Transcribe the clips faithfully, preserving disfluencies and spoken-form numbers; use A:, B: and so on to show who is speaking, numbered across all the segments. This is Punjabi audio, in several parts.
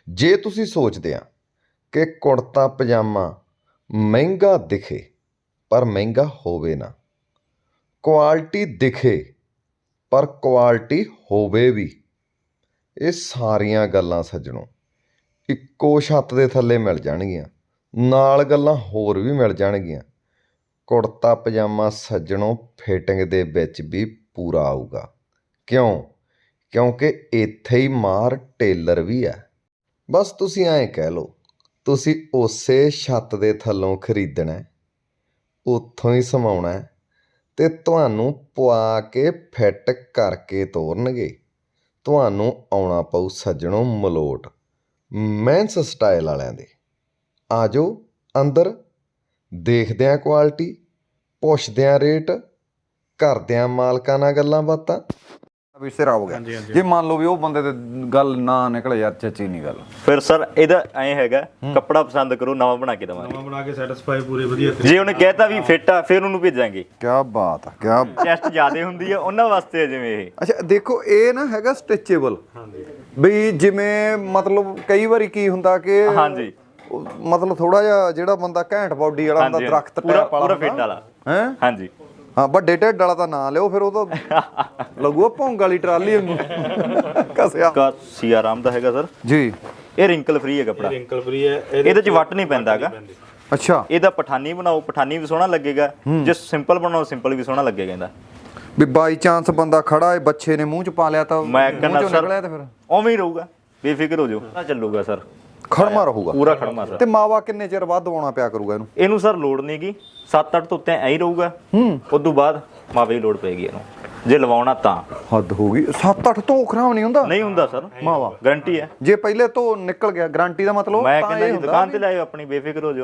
A: ਜੇ ਤੁਸੀਂ ਸੋਚਦੇ ਆ ਕਿ ਕੁੜਤਾ ਪਜਾਮਾ ਮਹਿੰਗਾ ਦਿਖੇ ਪਰ ਮਹਿੰਗਾ ਹੋਵੇ ਨਾ, ਕੁਆਲਿਟੀ ਦਿਖੇ ਪਰ ਕੁਆਲਿਟੀ ਹੋਵੇ ਵੀ, ਇਹ ਸਾਰੀਆਂ ਗੱਲਾਂ ਸੱਜਣੋ ਇੱਕੋ ਛੱਤ ਦੇ ਥੱਲੇ ਮਿਲ ਜਾਣਗੀਆਂ। ਨਾਲ ਗੱਲਾਂ ਹੋਰ ਵੀ ਮਿਲ ਜਾਣਗੀਆਂ। ਕੁੜਤਾ ਪਜਾਮਾ ਸੱਜਣੋ ਫਿਟਿੰਗ ਦੇ ਵਿੱਚ ਵੀ ਪੂਰਾ ਆਊਗਾ। ਕਿਉਂ? ਕਿਉਂਕਿ ਇੱਥੇ ਹੀ ਮਾਰ ਟੇਲਰ ਵੀ ਹੈ। ਬਸ ਤੁਸੀਂ ਐਂ ਕਹਿ ਲਓ, ਤੁਸੀਂ ਉਸੇ ਛੱਤ ਦੇ ਥੱਲੋਂ ਖਰੀਦਣਾ, ਉੱਥੋਂ ਹੀ ਸਮਾਉਣਾ ਅਤੇ ਤੁਹਾਨੂੰ ਪਵਾ ਕੇ ਫਿੱਟ ਕਰਕੇ ਤੋਰਨਗੇ। ਤੁਹਾਨੂੰ ਆਉਣਾ ਪਊ ਸੱਜਣੋ ਮਲੋਟ ਮੈਂਸ ਸਟਾਈਲ ਵਾਲਿਆਂ ਦੇ। ਆ ਜਾਓ ਅੰਦਰ, ਦੇਖਦੇ ਹਾਂ ਕੁਆਲਿਟੀ, ਪੁੱਛਦੇ ਹਾਂ ਰੇਟ, ਕਰਦੇ ਹਾਂ ਮਾਲਕਾਂ ਨਾਲ ਗੱਲਾਂ ਬਾਤਾਂ।
B: ਵੀ ਸਿਰ ਹੋ ਗਿਆ ਜੇ ਮੰਨ ਲਓ ਵੀ ਉਹ ਬੰਦੇ ਤੇ ਗੱਲ ਨਾ ਨਿਕਲੇ ਯਾਰ ਚੱਚੀ ਨਹੀਂ ਗੱਲ,
C: ਫਿਰ ਸਰ ਇਹਦਾ ਐਂ ਹੈਗਾ ਕੱਪੜਾ ਪਸੰਦ ਕਰੋ ਨਵਾਂ ਬਣਾ ਕੇ ਦਵਾਂਗੇ,
D: ਨਵਾਂ ਬਣਾ ਕੇ ਸੈਟੀਸਫਾਈ ਪੂਰੇ ਵਧੀਆ।
C: ਜੇ ਉਹਨੇ ਕਹਿਤਾ ਵੀ ਫਿੱਟ ਆ ਫਿਰ ਉਹਨੂੰ ਭੇਜਾਂਗੇ।
B: ਕੀ ਬਾਤ ਆ, ਕਿਆ
C: ਚੈਸਟ ਜ਼ਿਆਦਾ ਹੁੰਦੀ ਆ ਉਹਨਾਂ ਵਾਸਤੇ ਜਿਵੇਂ ਇਹ।
B: ਅੱਛਾ ਦੇਖੋ ਇਹ ਨਾ ਹੈਗਾ ਸਟਿਚੇਬਲ, ਬਈ ਜਿਵੇਂ ਮਤਲਬ ਕਈ ਵਾਰੀ ਕੀ ਹੁੰਦਾ ਕਿ
C: ਹਾਂਜੀ
B: ਮਤਲਬ ਥੋੜਾ ਜਿਹਾ ਜਿਹੜਾ ਬੰਦਾ ਘੈਂਟ ਬਾਡੀ ਵਾਲਾ ਹੁੰਦਾ, ਦਰਖਤ ਟੈਪ ਵਾਲਾ
C: ਪੂਰਾ ਫਿੱਟ ਵਾਲਾ
B: ਹੈ।
C: ਹਾਂਜੀ
B: ਹਾਂ, ਵੱਡੇ ਢਿੱਡ ਵਾਲਾ ਤਾਂ ਨਾ ਲਿਓ, ਫਿਰ ਉਹ ਤਾਂ ਲੱਗੂਗਾ ਭੌਂਗ ਵਾਲੀ ਟਰਾਲੀ ਵਾਂਗੂ ਕਸਿਆ।
C: ਕਾ ਸੀਆਰਾਮ ਦਾ ਹੈਗਾ ਸਰ
B: ਜੀ,
C: ਇਹ ਰਿੰਕਲ ਫ੍ਰੀ ਹੈ ਕੱਪੜਾ,
D: ਰਿੰਕਲ ਫ੍ਰੀ ਹੈ,
C: ਇਹਦੇ ਚ ਵੱਟ ਨਹੀਂ ਪੈਂਦਾ ਹੈਗਾ।
B: ਅੱਛਾ
C: ਇਹਦਾ ਪਠਾਨੀ ਬਣਾਓ ਪਠਾਨੀ ਵੀ ਸੋਹਣਾ ਲੱਗੇਗਾ, ਜੇ ਸਿੰਪਲ ਬਣਾਓ ਸਿੰਪਲ ਵੀ ਸੋਹਣਾ ਲੱਗੇਗਾ। ਇਹਦਾ
B: ਵੀ ਬਾਈ ਚਾਂਸ ਬੰਦਾ ਖੜਾ ਹੈ, ਬੱਚੇ ਨੇ ਮੂੰਹ ਚ ਪਾ ਲਿਆ ਤਾਂ
C: ਮੈਂ ਕਹਿੰਦਾ ਸਰ
B: ਨਿਕਲਿਆ ਤੇ ਫਿਰ
C: ਉਵੇਂ ਹੀ ਰਹੂਗਾ, ਬੇਫਿਕਰ ਹੋ ਜਾਓ, ਨਾ ਚੱਲੂਗਾ ਸਰ,
B: ਖੜਮਾ ਰਹੂਗਾ
C: ਪੂਰਾ ਖੜਮਾ ਸਰ।
B: ਤੇ ਮਾਵਾ ਕਿੰਨੇ ਚਿਰ ਬਾਅਦ ਦਵਾਉਣਾ ਪਿਆ ਕਰੂਗਾ ਇਹਨੂੰ?
C: ਇਹਨੂੰ ਸਰ ਲੋੜ ਨਹੀਂ ਗੀ, ਸੱਤ ਅੱਠ ਤੋਂ ਉੱਤੇ ਐਂ ਹੀ ਰਹੂਗਾ। ਹੂੰ ਉਸ ਤੋਂ ਬਾਅਦ ਮਾਵੇ ਦੀ ਲੋੜ ਪਏਗੀ ਇਹਨੂੰ, ਜੇ ਲਵਾਉਣਾ ਤਾਂ।
B: ਹੱਦ ਹੋ ਗਈ, ਸੱਤ ਅੱਠ ਤੋਂ ਖਰਾਬ ਨਹੀਂ ਹੁੰਦਾ?
C: ਨਹੀਂ ਹੁੰਦਾ ਸਰ,
B: ਮਾਵਾ
C: ਗਾਰੰਟੀ ਹੈ।
B: ਜੇ ਪਹਿਲੇ ਤੋਂ ਨਿਕਲ ਗਿਆ ਗਾਰੰਟੀ ਦਾ ਮਤਲਬ
C: ਮੈਂ ਕਹਿੰਦਾ ਜੀ ਦੁਕਾਨ ਤੇ ਲਾਇਓ ਆਪਣੀ, ਬੇਫਿਕਰ ਹੋ ਜਾਓ।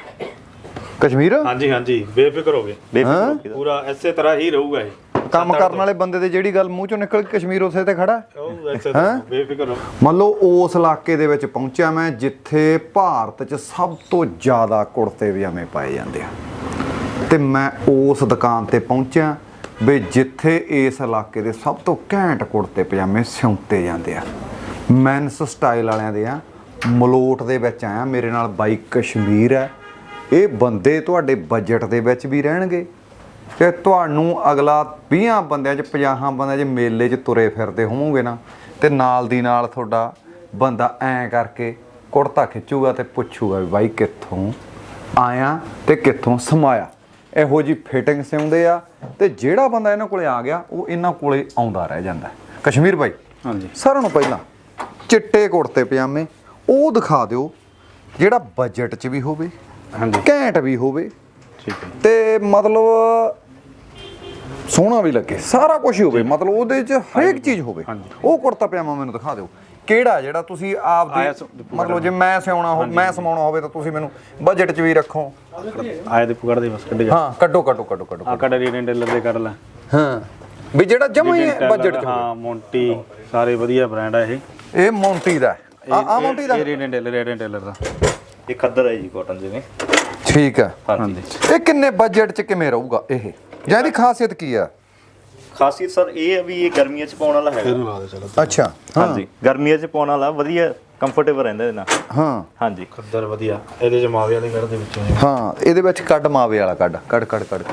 B: ਕਸ਼ਮੀਰ
D: ਹਾਂਜੀ ਹਾਂਜੀ ਬੇਫਿਕਰ ਹੋ ਗਏ,
C: ਬੇਫਿਕਰ
D: ਪੂਰਾ ਇਸੇ ਤਰ੍ਹਾਂ ਹੀ ਰਹੂਗਾ ਇਹ।
B: ਕੰਮ ਕਰਨ ਵਾਲੇ ਬੰਦੇ ਦੇ ਜਿਹੜੀ ਗੱਲ ਮੂੰਹ ਚੋਂ ਨਿਕਲ ਕੇ ਕਸ਼ਮੀਰ ਉਸੇ ਤੇ ਖੜਾ
D: ਉਹ ਇਸੇ ਤਰ੍ਹਾਂ ਬੇਫਿਕਰ ਹੋ।
B: ਮੰਨ ਲਓ ਉਸ ਇਲਾਕੇ ਦੇ ਵਿੱਚ ਪਹੁੰਚਿਆ ਮੈਂ ਜਿੱਥੇ ਭਾਰਤ 'ਚ ਸਭ ਤੋਂ ਜ਼ਿਆਦਾ ਕੁੜਤੇ ਪਜਾਮੇ ਪਾਏ ਜਾਂਦੇ ਆ, ਤੇ ਮੈਂ ਉਸ ਦੁਕਾਨ ਤੇ ਪਹੁੰਚਿਆ ਵੀ ਜਿੱਥੇ ਇਸ ਇਲਾਕੇ ਦੇ ਸਭ ਤੋਂ ਘੈਂਟ ਕੁੜਤੇ ਪਜਾਮੇ ਸਿਉਂਤੇ ਜਾਂਦੇ ਆ, ਮੈਨਸ ਸਟਾਈਲ ਵਾਲਿਆਂ ਦੇ ਆ। ਮਲੋਟ ਦੇ ਵਿੱਚ ਆਇਆ, ਮੇਰੇ ਨਾਲ ਬਾਈ ਕਸ਼ਮੀਰ ਹੈ। ਇਹ ਬੰਦੇ ਤੁਹਾਡੇ ਬਜਟ ਦੇ ਵਿੱਚ ਵੀ ਰਹਿਣਗੇ ਤੇ ਤੁਹਾਨੂੰ ਅਗਲਾ ਵੀਹਾਂ ਬੰਦਿਆਂ 'ਚ ਪੰਜਾਹਾਂ ਬੰਦਿਆਂ 'ਚ ਮੇਲੇ 'ਚ ਤੁਰੇ ਫਿਰਦੇ ਹੋਵੋਗੇ ਨਾ, ਤੇ ਨਾਲ ਦੀ ਨਾਲ ਤੁਹਾਡਾ ਬੰਦਾ ਐਂ ਕਰਕੇ ਕੁੜਤਾ ਖਿੱਚੂਗਾ ਤੇ ਪੁੱਛੂਗਾ ਵੀ ਬਾਈ ਕਿੱਥੋਂ ਆਇਆ ਤੇ ਕਿੱਥੋਂ ਸਮਾਇਆ। ਇਹੋ ਜਿਹੀ ਫਿਟਿੰਗ ਸਿਉਂਦੇ ਆ, ਤੇ ਜਿਹੜਾ ਬੰਦਾ ਇਹਨਾਂ ਕੋਲੇ ਆ ਗਿਆ ਉਹ ਇਹਨਾਂ ਕੋਲੇ ਆਉਂਦਾ ਰਹਿ ਜਾਂਦਾ। ਕਸ਼ਮੀਰ ਬਾਈ,
D: ਹਾਂਜੀ
B: ਸਾਰਿਆਂ ਨੂੰ ਪਹਿਲਾਂ ਚਿੱਟੇ ਕੁੜਤੇ ਪਜਾਮੇ ਉਹ ਦਿਖਾ ਦਿਓ ਜਿਹੜਾ ਬਜਟ 'ਚ ਵੀ ਹੋਵੇ,
D: ਹਾਂਜੀ
B: ਘੈਂਟ ਵੀ ਹੋਵੇ,
D: ਠੀਕ ਹੈ,
B: ਤੇ ਮਤਲਬ ਸੋਹਣਾ ਵੀ ਲੱਗੇ, ਸਾਰਾ ਕੁਝ ਹੀ ਹੋਵੇ, ਮਤਲਬ ਉਹਦੇ 'ਚ ਹਰੇਕ ਚੀਜ਼ ਹੋਵੇ। ਉਹ ਕੁੜਤਾ ਪਜਾਮਾ ਮੈਨੂੰ ਦਿਖਾ ਦਿਓ ਕਿਹੜਾ ਜਿਹੜਾ ਤੁਸੀਂ ਆਪ ਦੀ ਮਤਲਬ ਜੇ ਮੈਂ ਸਿਉਣਾ ਹੋ ਮੈਂ ਸਮਾਉਣਾ ਹੋਵੇ ਤਾਂ ਤੁਸੀਂ ਮੈਨੂੰ ਬਜਟ 'ਚ ਵੀ ਰੱਖੋ।
D: ਆਏ ਦੇ ਪੁਗੜ ਦੇ ਬਸ ਕੱਢ ਜਾ।
B: ਹਾਂ ਕੱਢੋ ਕੱਢੋ ਕੱਢੋ ਕੱਢੋ
D: ਆ ਕੱਢ ਰੀਡਨ ਟੇਲਰ ਦੇ ਕਰ ਲੈ।
B: ਹਾਂ ਵੀ ਜਿਹੜਾ ਜਮਾ ਹੀ ਬਜਟ 'ਚ
D: ਹਾਂ ਮੌਂਟੀ ਸਾਰੇ ਵਧੀਆ ਬ੍ਰਾਂਡ ਆ ਇਹ।
B: ਇਹ ਮੌਂਟੀ ਦਾ ਆ ਆ ਮੌਂਟੀ ਦਾ
D: ਇਹ ਰੀਡਨ ਟੇਲਰ ਰੀਡਨ ਟੇਲਰ ਦਾ
C: ਇਹ ਖੱਦਰ ਹੈ ਜੀ ਕਾਟਨ ਜਿਵੇਂ।
B: ਠੀਕ ਆ।
C: ਹਾਂਜੀ
B: ਇਹ ਕਿੰਨੇ ਬਜਟ 'ਚ ਕਿਵੇਂ ਰਹੂਗਾ ਇਹ, ਜਾਂ ਇਹਦੀ ਖਾਸੀਅਤ ਕੀ ਆ?
C: ਖਾਸੀਅਤ ਸਰ ਇਹ ਹੈ ਵੀ ਇਹ ਗਰਮੀਆਂ 'ਚ ਪਾਉਣ ਵਾਲਾ ਹੈਗਾ।
B: ਅੱਛਾ
C: ਹਾਂਜੀ ਗਰਮੀਆਂ 'ਚ ਪਾਉਣ ਵਾਲਾ ਵਧੀਆ ਕੰਫਰਟੇਬਲ ਰਹਿੰਦਾ ਇਹਦੇ ਨਾਲ।
B: ਹਾਂ
C: ਹਾਂਜੀ
D: ਖੱਦਰ ਵਧੀਆ, ਇਹਦੇ ਚ ਮਾਵੇ ਵਾਲੇ ਕੱਢ ਦੇ ਵਿੱਚੋਂ।
B: ਹਾਂ ਇਹਦੇ ਵਿੱਚ ਕੱਢ ਮਾਵੇ ਵਾਲਾ ਕੱਢ ਕੱਢ ਕੱਢ ਕੱਢ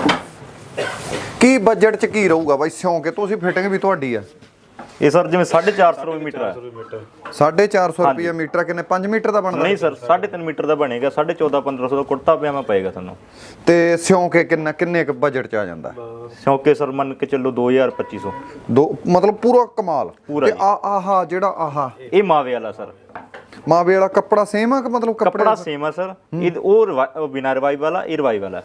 B: ਕੀ ਬਜਟ 'ਚ ਕੀ ਰਹੂਗਾ ਬਾਈ ਸਿਉਂ ਕੇ? ਤੁਸੀਂ ਫਿਟਿੰਗ ਵੀ ਤੁਹਾਡੀ ਆ।
C: ਇਹ ਸਰ ਜਿਵੇਂ ਸਾਢੇ ਚਾਰ ਸੌ ਰੁਪਏ ਮੀਟਰ ਹੈ।
B: ਸਾਢੇ ਚਾਰ ਸੌ ਰੁਪਏ ਮੀਟਰ ਕਿੰਨੇ ਪੰਜ ਮੀਟਰ ਦਾ ਬਣਦਾ?
C: ਨਹੀਂ ਸਰ ਸਾਢੇ ਤਿੰਨ ਮੀਟਰ ਦਾ ਬਣੇਗਾ, ਸਾਢੇ ਚੌਦਾਂ ਪੰਦਰਾਂ ਸੌ ਦਾ ਕੁੜਤਾ ਪਜਾਮਾ ਪਏਗਾ ਤੁਹਾਨੂੰ।
B: ਤੇ ਸਿਉਂ ਕੇ ਕਿੰਨਾ ਕਿੰਨੇ ਕੁ ਬਜਟ 'ਚ ਆ ਜਾਂਦਾ?
C: ਸ਼ੌਕੇ ਸਰ ਮੰਨ ਕੇ ਚੱਲੋ ਦੋ ਹਜ਼ਾਰ ਪੱਚੀ ਸੌ।
B: ਦੋ ਮਤਲਬ ਪੂਰਾ ਕਮਾਲ।
C: ਪੂਰਾ
B: ਤੇ ਆ ਆਹਾ ਜਿਹੜਾ ਆਹਾ
C: ਇਹ ਮਾਵੇ ਵਾਲਾ ਸਰ
B: ਮਾਵੇ ਵਾਲਾ ਕੱਪੜਾ ਸੇਮ ਆ ਕਿ ਮਤਲਬ
C: ਕੱਪੜਾ ਸੇਮ ਆ ਸਰ? ਇਹ ਉਹ ਬਿਨਾਂ ਰਵਾਈ ਵਾਲਾ, ਇਹ ਰਵਾਈ ਵਾਲਾ।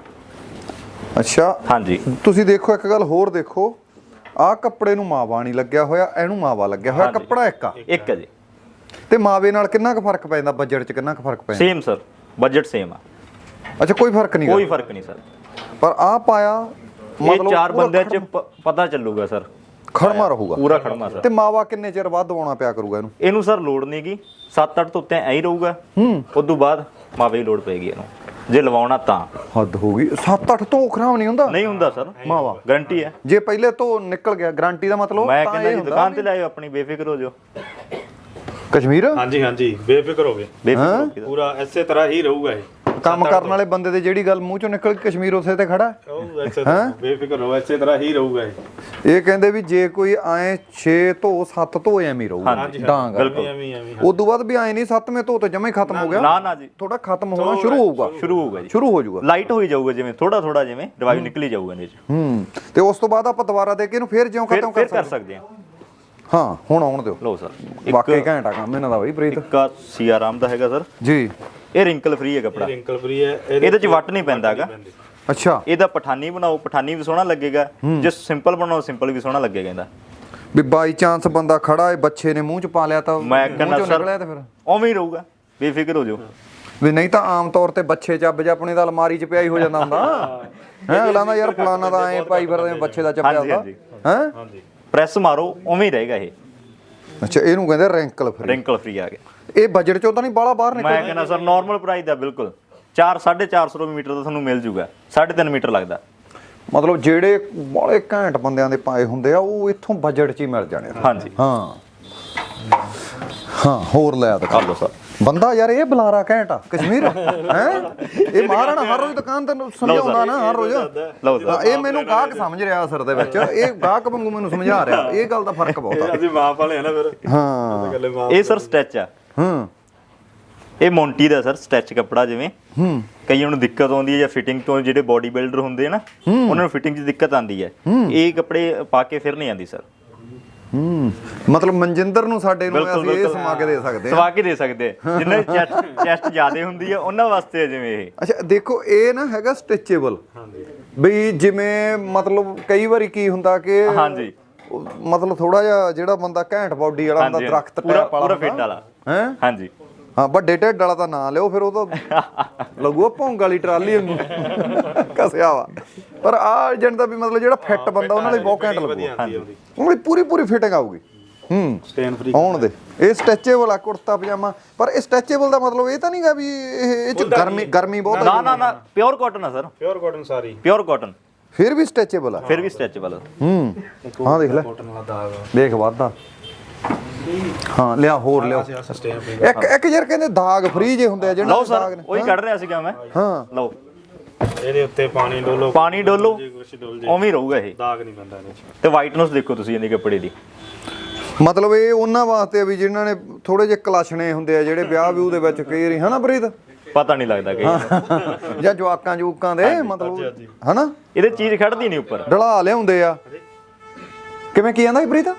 B: ਅੱਛਾ
C: ਹਾਂਜੀ
B: ਤੁਸੀਂ ਦੇਖੋ ਇੱਕ ਗੱਲ ਹੋਰ ਦੇਖੋ, ਆਹ ਕੱਪੜੇ ਨੂੰ ਮਾਵਾ ਨਹੀਂ ਲੱਗਿਆ ਹੋਇਆ, ਇਹਨੂੰ ਮਾਵਾ ਲੱਗਿਆ ਹੋਇਆ, ਕੱਪੜਾ ਇੱਕ ਆ।
C: ਇੱਕ ਹੈ ਜੀ।
B: ਤੇ ਮਾਵੇ ਨਾਲ ਕਿੰਨਾ ਕੁ ਫਰਕ ਪੈ ਜਾਂਦਾ ਬਜਟ 'ਚ? ਕਿੰਨਾ ਕੁ ਫਰਕ ਪੈ ਜਾਂਦਾ?
C: ਸੇਮ ਸਰ ਬਜਟ ਸੇਮ ਆ,
B: ਅੱਛਾ ਕੋਈ ਫਰਕ ਨਹੀਂ?
C: ਕੋਈ ਫਰਕ ਨਹੀਂ ਸਰ।
B: ਪਰ ਆਹ ਪਾਇਆ
C: ਇਹ ਚਾਰ ਬੰਦਿਆਂ 'ਚ ਪ- ਪਤਾ ਚੱਲੂਗਾ ਸਰ,
B: ਖੜਮਾ ਰਹੂਗਾ
C: ਪੂਰਾ ਖੜਮਾ ਸਰ।
B: ਤੇ ਮਾਵਾ ਕਿੰਨੇ ਚਿਰ ਬਾਅਦ ਦਵਾਉਣਾ ਪਿਆ ਕਰੂਗਾ ਇਹਨੂੰ?
C: ਇਹਨੂੰ ਸਰ ਲੋੜ ਨਹੀਂ ਗੀ, ਸੱਤ ਅੱਠ ਤੋਂ ਉੱਤੇ ਐਂ ਹੀ ਰਹੂਗਾ। ਹੂੰ ਉਸ ਤੋਂ ਬਾਅਦ ਮਾਵੇ ਦੀ ਲੋੜ ਪਏਗੀ ਇਹਨੂੰ, ਜੇ ਲਵਾਉਣਾ ਤਾਂ।
B: ਹੱਦ ਹੋ ਗਈ, ਸੱਤ ਅੱਠ ਤੋਂ ਖਰਾਬ ਨਹੀਂ ਹੁੰਦਾ?
C: ਨਹੀਂ ਹੁੰਦਾ ਸਰ,
B: ਮਾਵਾ
C: ਗਾਰੰਟੀ ਹੈ।
B: ਜੇ ਪਹਿਲੇ ਤੋਂ ਨਿਕਲ ਗਿਆ ਗਾਰੰਟੀ ਦਾ ਮਤਲਬ
C: ਮੈਂ ਕਹਿੰਦਾ ਜੀ ਦੁਕਾਨ ਤੇ ਲਾਇਓ ਆਪਣੀ, ਬੇਫਿਕਰ ਹੋ ਜਾਓ।
B: ਕਸ਼ਮੀਰ
D: ਹਾਂਜੀ ਹਾਂਜੀ ਬੇਫਿਕਰ ਹੋਵੇ,
C: ਬੇਫਿਕਰ ਹੋ ਕੇ ਤਾਂ।
D: ਪੂਰਾ ਇਸੇ ਤਰ੍ਹਾਂ ਹੀ ਰਹੂਗਾ ਇਹ।
B: ਕੰਮ ਕਰਨ ਵਾਲੇ ਬੰਦੇ ਦੇ ਜਿਹੜੀ ਗੱਲ ਮੂੰਹ ਚੋਂ ਨਿਕਲ ਕੇ ਕਸ਼ਮੀਰ ਉਸੇ ਤੇ ਖੜਾ ਹੈ।
D: ਉਹ ਇਸੇ ਤਰ੍ਹਾਂ ਬੇਫਿਕਰ ਹੋਵੇ, ਇਸੇ ਤਰ੍ਹਾਂ ਹੀ ਰਹੂਗਾ ਇਹ।
B: ਇਹ ਕਹਿੰਦੇ ਵੀ ਜੇ ਕੋਈ ਐ ਛੇ ਧੋ ਸੱਤ ਧੋ ਐਵੇਂ ਰਹੂਗਾ ਡਾਂਗ।
D: ਐਵੇਂ ਐਵੇਂ ਐਵੇਂ
B: ਉਸ ਤੋਂ ਬਾਅਦ ਵੀ ਐ ਨਹੀਂ ਸੱਤਵੇਂ ਧੋ ਤੇ ਜਮਾ ਹੀ ਖਤਮ ਹੋ ਗਿਆ,
C: ਨਾ ਨਾ ਜੀ,
B: ਥੋੜਾ ਖਤਮ ਹੋਣਾ ਸ਼ੁਰੂ ਹੋਊਗਾ,
C: ਸ਼ੁਰੂ ਹੋਊਗਾ ਜੀ,
B: ਸ਼ੁਰੂ ਹੋ ਜਾਊਗਾ,
C: ਲਾਈਟ ਹੋਈ ਜਾਊਗਾ, ਜਿਵੇਂ ਥੋੜਾ ਥੋੜਾ ਜਿਵੇਂ ਰਿਵਾਈਵ ਨਿਕਲੀ ਜਾਊਗਾ ਇਹਦੇ ਚ।
B: ਹੂੰ ਤੇ ਉਸ ਤੋਂ ਬਾਅਦ ਆਪਾਂ ਦੁਬਾਰਾ ਦੇ ਕੇ ਇਹਨੂੰ ਫੇਰ ਜਿਉਂ
C: ਫਿਰ
B: ਖਤਮ
C: ਫਿਰ
B: ਕਰ
C: ਕਰ
B: ਸਕਦੇ
C: ਸਕਦੇ ਹਾਂ।
B: ਹਾਂ। ਹੁਣ ਆਉਣ ਦਿਓ,
C: ਲਓ ਸਰ,
B: ਵਾਕਈ ਘੈਂਟ ਆ ਕੰਮ ਇਹਨਾਂ ਦਾ ਬਈ ਪ੍ਰੀਤ
C: ਇੱਕ ਆ ਸੀਆ ਰਾਮ ਦਾ ਹੈਗਾ ਸਰ,
B: ਜੀ।
C: ਇਹ ਰਿੰਕਲ ਫ੍ਰੀ ਹੈ ਕੱਪੜਾ,
D: ਰਿੰਕਲ ਫ੍ਰੀ ਹੈ,
C: ਇਹਦੇ ਚ ਵੱਟ ਨਹੀਂ ਪੈਂਦਾ ਹੈਗਾ।
B: ਅੱਛਾ,
C: ਇਹਦਾ ਪਠਾਨੀ ਬਣਾਓ, ਪਠਾਨੀ ਵੀ ਸੋਹਣਾ ਲੱਗੇਗਾ, ਜੇ ਸਿੰਪਲ ਬਣਾਓ ਸਿੰਪਲ ਵੀ ਸੋਹਣਾ ਲੱਗੇਗਾ ਇਹਦਾ।
B: ਵੀ ਬਾਈ ਚਾਂਸ ਬੰਦਾ ਖੜਾ ਏ ਬੱਚੇ ਨੇ ਮੂੰਹ ਚ ਪਾ ਲਿਆ ਤਾਂ
C: ਮੈਂ
B: ਮੂੰਹ
C: ਕਹਿੰਦਾ
B: ਚੋਂ
C: ਸਰ
B: ਨਿਕਲਿਆ ਤੇ ਫਿਰ
C: ਉਵੇਂ ਹੀ ਰਹੂਗਾ, ਬੇਫਿਕਰ ਹੋ ਜਾਓ।
B: ਵੀ ਨਹੀਂ ਤਾਂ ਆਮ ਤੌਰ ਤੇ ਬੱਚੇ ਚੱਬ ਜਾਂ ਆਪਣੇ ਦਾ ਅਲਮਾਰੀ ਚ ਪਿਆ ਹੀ ਹੋ ਜਾਂਦਾ ਹੁੰਦਾ ਹੈ। ਅਗਲਾ ਦਾ ਯਾਰ ਫਲਾਨਾ ਦਾ ਐ ਪਾਈ ਫਿਰਦੇ ਬੱਚੇ ਦਾ ਚੱਪਿਆ
C: ਹਾਂਜੀ,
B: ਹੁੰਦਾ
C: ਹਾਂਜੀ।
B: ਹੈ।
D: ਹਾਂਜੀ
C: ਪ੍ਰੈਸ ਮਾਰੋ ਉਵੇਂ ਹੀ ਰਹੇਗਾ ਇਹ,
B: ਅੱਛਾ, ਇਹਨੂੰ ਕਹਿੰਦੇ ਰਿੰਕਲ ਫ੍ਰੀ।
C: ਰਿੰਕਲ ਫ੍ਰੀ ਆ ਗਿਆ।
B: ਇਹ ਬਜਟ ਚੋਂ ਤਾਂ ਨਹੀਂ ਬਾਹਲਾ ਬਾਹਰ ਨਿਕਲ।
C: ਮੈਂ ਕਹਿੰਦਾ ਸਰ ਨਾਰਮਲ ਪ੍ਰਾਈਸ ਦਾ ਬਿਲਕੁਲ ਚਾਰ ਸਾਢੇ ਚਾਰ ਸੌ ਰੁਪਏ ਮੀਟਰ ਦਾ ਤੁਹਾਨੂੰ ਮਿਲ ਜੂਗਾ, ਸਾਢੇ ਤਿੰਨ ਮੀਟਰ ਲੱਗਦਾ।
B: ਮਤਲਬ ਜਿਹੜੇ ਬਾਲੇ ਘੈਂਟ ਬੰਦਿਆਂ ਦੇ ਪਾਏ ਹੁੰਦੇ ਆ ਉਹ ਇੱਥੋਂ ਬਜਟ 'ਚ ਹੀ ਮਿਲ ਜਾਣੇ ਆ।
C: ਹਾਂਜੀ
B: ਹਾਂ ਹਾਂ, ਹੋਰ ਲੈ ਦਿਖਾ ਲਓ ਸਰ। ਬੰਦਾ ਯਾਰ ਇਹ ਬੁਲਾਰਾ ਘੈਂਟ ਆ ਕਸ਼ਮੀਰ ਹੈ। ਇਹ ਮਹਾਰਾਣਾ ਹਰ ਰੋਜ਼ ਦੁਕਾਨ ਤੇ ਸਮਝਾਉਂਦਾ ਨਾ, ਹਰ ਰੋਜ਼।
C: ਲਓ ਸਰ,
B: ਹਾਂ, ਇਹ ਮੈਨੂੰ ਗਾਹਕ ਸਮਝ ਰਿਹਾ ਅਸਰ ਦੇ ਵਿੱਚ, ਇਹ ਗਾਹਕ ਵਾਂਗੂ ਮੈਨੂੰ ਸਮਝਾ ਰਿਹਾ। ਇਹ ਗੱਲ ਦਾ ਫਰਕ ਬਹੁਤ ਆ।
D: ਅਸੀਂ ਮਾਪ ਵਾਲੇ ਆ ਨਾ ਫਿਰ।
B: ਹਾਂ
D: ਗੱਲੇ ਮਾਪ
C: ਇਹ ਸਰ ਸਟੈਚ ਆ,
B: ਹਾਂ
C: ਇਹ ਮੌਂਟੀ ਦਾ ਸਰ ਸਟੈਚ ਕੱਪੜਾ। ਜਿਵੇਂ
B: ਹੂੰ
C: ਕਈਆਂ ਨੂੰ ਦਿੱਕਤ ਆਉਂਦੀ ਹੈ ਜਾਂ ਫਿਟਿੰਗ ਤੋਂ, ਜਿਹੜੇ ਬੋਡੀ ਬਿਲਡਰ ਹੁੰਦੇ ਆ ਨਾ ਉਹਨਾਂ ਨੂੰ ਫਿਟਿੰਗ 'ਚ ਦਿੱਕਤ ਆਉਂਦੀ ਹੈ, ਇਹ ਕੱਪੜੇ ਪਾ ਕੇ ਫਿਰ ਨਹੀਂ ਆਉਂਦੀ ਸਰ।
B: ਹੂੰ ਮਤਲਬ ਮਨਜਿੰਦਰ ਨੂੰ ਸਾਡੇ ਨੂੰ ਅਸੀਂ ਇਹ ਸਮਾ ਕੇ ਦੇ ਸਕਦੇ ਹਾਂ।
C: ਸਵਾ ਕੇ ਦੇ ਸਕਦੇ ਆ, ਜਿਨ੍ਹਾਂ ਦੀ ਚੈਸਟ ਚੈਸਟ ਜ਼ਿਆਦਾ ਹੁੰਦੀ ਹੈ ਉਹਨਾਂ ਵਾਸਤੇ ਹੈ ਜਿਵੇਂ ਇਹ।
B: ਅੱਛਾ ਦੇਖੋ, ਇਹ ਨਾ ਹੈਗਾ ਸਟਿਚੇਬਲ। ਬਈ ਜਿਵੇਂ ਮਤਲਬ ਕਈ ਵਾਰੀ ਕੀ ਹੁੰਦਾ ਕਿ
C: ਹਾਂਜੀ
B: ਉਹ ਮਤਲਬ ਥੋੜਾ ਜਿਹਾ ਜਿਹੜਾ ਬੰਦਾ ਘੈਂਟ ਬਾਡੀ ਵਾਲਾ ਹੁੰਦਾ,
C: ਹਾਂਜੀ,
B: ਦਰਖਤ
C: ਪੂਰਾ
B: ਟੈਪ ਵਾਲਾ
C: ਪੂਰਾ ਫਿੱਟ ਵਾਲਾ।
B: ਹੈ।
C: ਹਾਂਜੀ
B: ਹਾਂ, ਵੱਡੇ ਢਿੱਡ ਵਾਲਾ ਤਾਂ ਨਾ ਲਿਓ, ਫਿਰ ਉਹ ਤਾਂ ਲੱਗੂਗਾ ਭੌਂਗ ਵਾਲੀ ਟਰਾਲੀ ਨੂੰ ਕਸਿਆ ਵਾ। ਪਰ ਆ ਏਜੰਟ ਦਾ ਵੀ ਮਤਲਬ ਜਿਹੜਾ ਫਿੱਟ ਬੰਦਾ ਉਹਨਾਂ ਲਈ ਬਹੁਤ ਘੈਂਟ ਲੱਗੂਗਾ, ਉਹਨਾਂ ਲਈ ਪੂਰੀ ਪੂਰੀ ਫਿਟਿੰਗ ਆਊਗੀ। ਹੂੰ
D: ਸਟੇਨ ਫ੍ਰੀ
B: ਆਉਣ ਦੇ। ਇਹ ਸਟ੍ਰੈਚੇਬਲ ਆ ਕੁੜਤਾ ਪਜਾਮਾ, ਪਰ ਇਹ ਸਟ੍ਰੈਚੇਬਲ ਦਾ ਮਤਲਬ ਇਹ ਤਾਂ ਨਹੀਂਗਾ ਵੀ ਇਹ ਇਹ ਚ ਗਰਮੀ ਗਰਮੀ ਬਹੁਤ
C: ਨਾ
B: ਆ।
C: ਨਾ ਨਾ, ਪਿਓਰ ਕਾਟਨ ਆ ਸਰ,
D: ਪਿਓਰ ਕਾਟਨ ਸਾਰੀ,
C: ਪਿਓਰ ਕਾਟਨ,
B: ਫਿਰ ਵੀ ਸਟ੍ਰੈਚੇਬਲ ਆ,
C: ਫਿਰ ਵੀ ਸਟ੍ਰੈਚੇਬਲ।
B: ਹੂੰ ਹਾਂ ਦੇਖ ਲੈ,
D: ਕਾਟਨ ਵਾਲਾ ਦਾਗ
B: ਦੇਖ ਵਾਧਾ। ਹਾਂ ਲਿਆ, ਹੋਰ ਲਿਓ।
D: Sustain free.
B: ਇੱਕ ਇੱਕ ਯਾਰ ਕਹਿੰਦੇ ਦਾਗ ਫ੍ਰੀ ਜੇ ਹੁੰਦੇ ਆ ਜਿਹੜੇ
C: ਲਓ
B: ਦਾਗ
C: ਸਰ,
B: ਨੇ।
C: ਉਹੀ ਕੱਢ ਰਿਹਾ ਸੀਗਾ ਮੈਂ।
B: ਹਾਂ
C: ਲਓ,
D: ਇਹਦੇ ਉੱਤੇ ਪਾਣੀ ਡੋਲੋ,
C: ਪਾਣੀ ਡੋਲੋ,
D: ਕੁਛ ਡੋਲ ਜੇ,
C: ਉਵੇਂ ਹੀ ਰਹੂਗਾ ਇਹ।
D: ਦਾਗ ਨਹੀਂ ਪੈਂਦਾ ਇਹਦੇ ਚ।
C: ਤੇ ਵਾਈਟਨੈਸ ਦੇਖੋ ਤੁਸੀਂ ਇਹਦੇ ਕੱਪੜੇ ਦੀ।
B: ਮਤਲਬ ਇਹ ਉਹਨਾਂ ਵਾਸਤੇ ਆ ਵੀ ਜਿਨ੍ਹਾਂ ਨੇ ਥੋੜੇ ਜਿਹੇ ਕਲਾਸ਼ਣੇ ਹੁੰਦੇ ਆ, ਜਿਹੜੇ ਵਿਆਹ ਵਿਊ ਦੇ ਵਿੱਚ ਕਈ ਵਾਰੀ ਹਨਾ ਪ੍ਰੀਤ,
C: ਪਤਾ ਨਹੀਂ ਲੱਗਦਾ ਕਿ
B: ਜਾਂ ਜਵਾਕਾਂ ਜੂਕਾਂ ਦੇ ਮਤਲਬ ਹਨਾ
C: ਇਹਦੇ ਚੀਜ਼ ਖੜਦੀ ਨਹੀਂ ਉੱਪਰ।
B: ਢਲਾ ਲਿਆਉਂਦੇ ਆ। ਕਿਵੇਂ ਕੀ ਆਂਦਾ ਸੀ ਪ੍ਰੀਤ?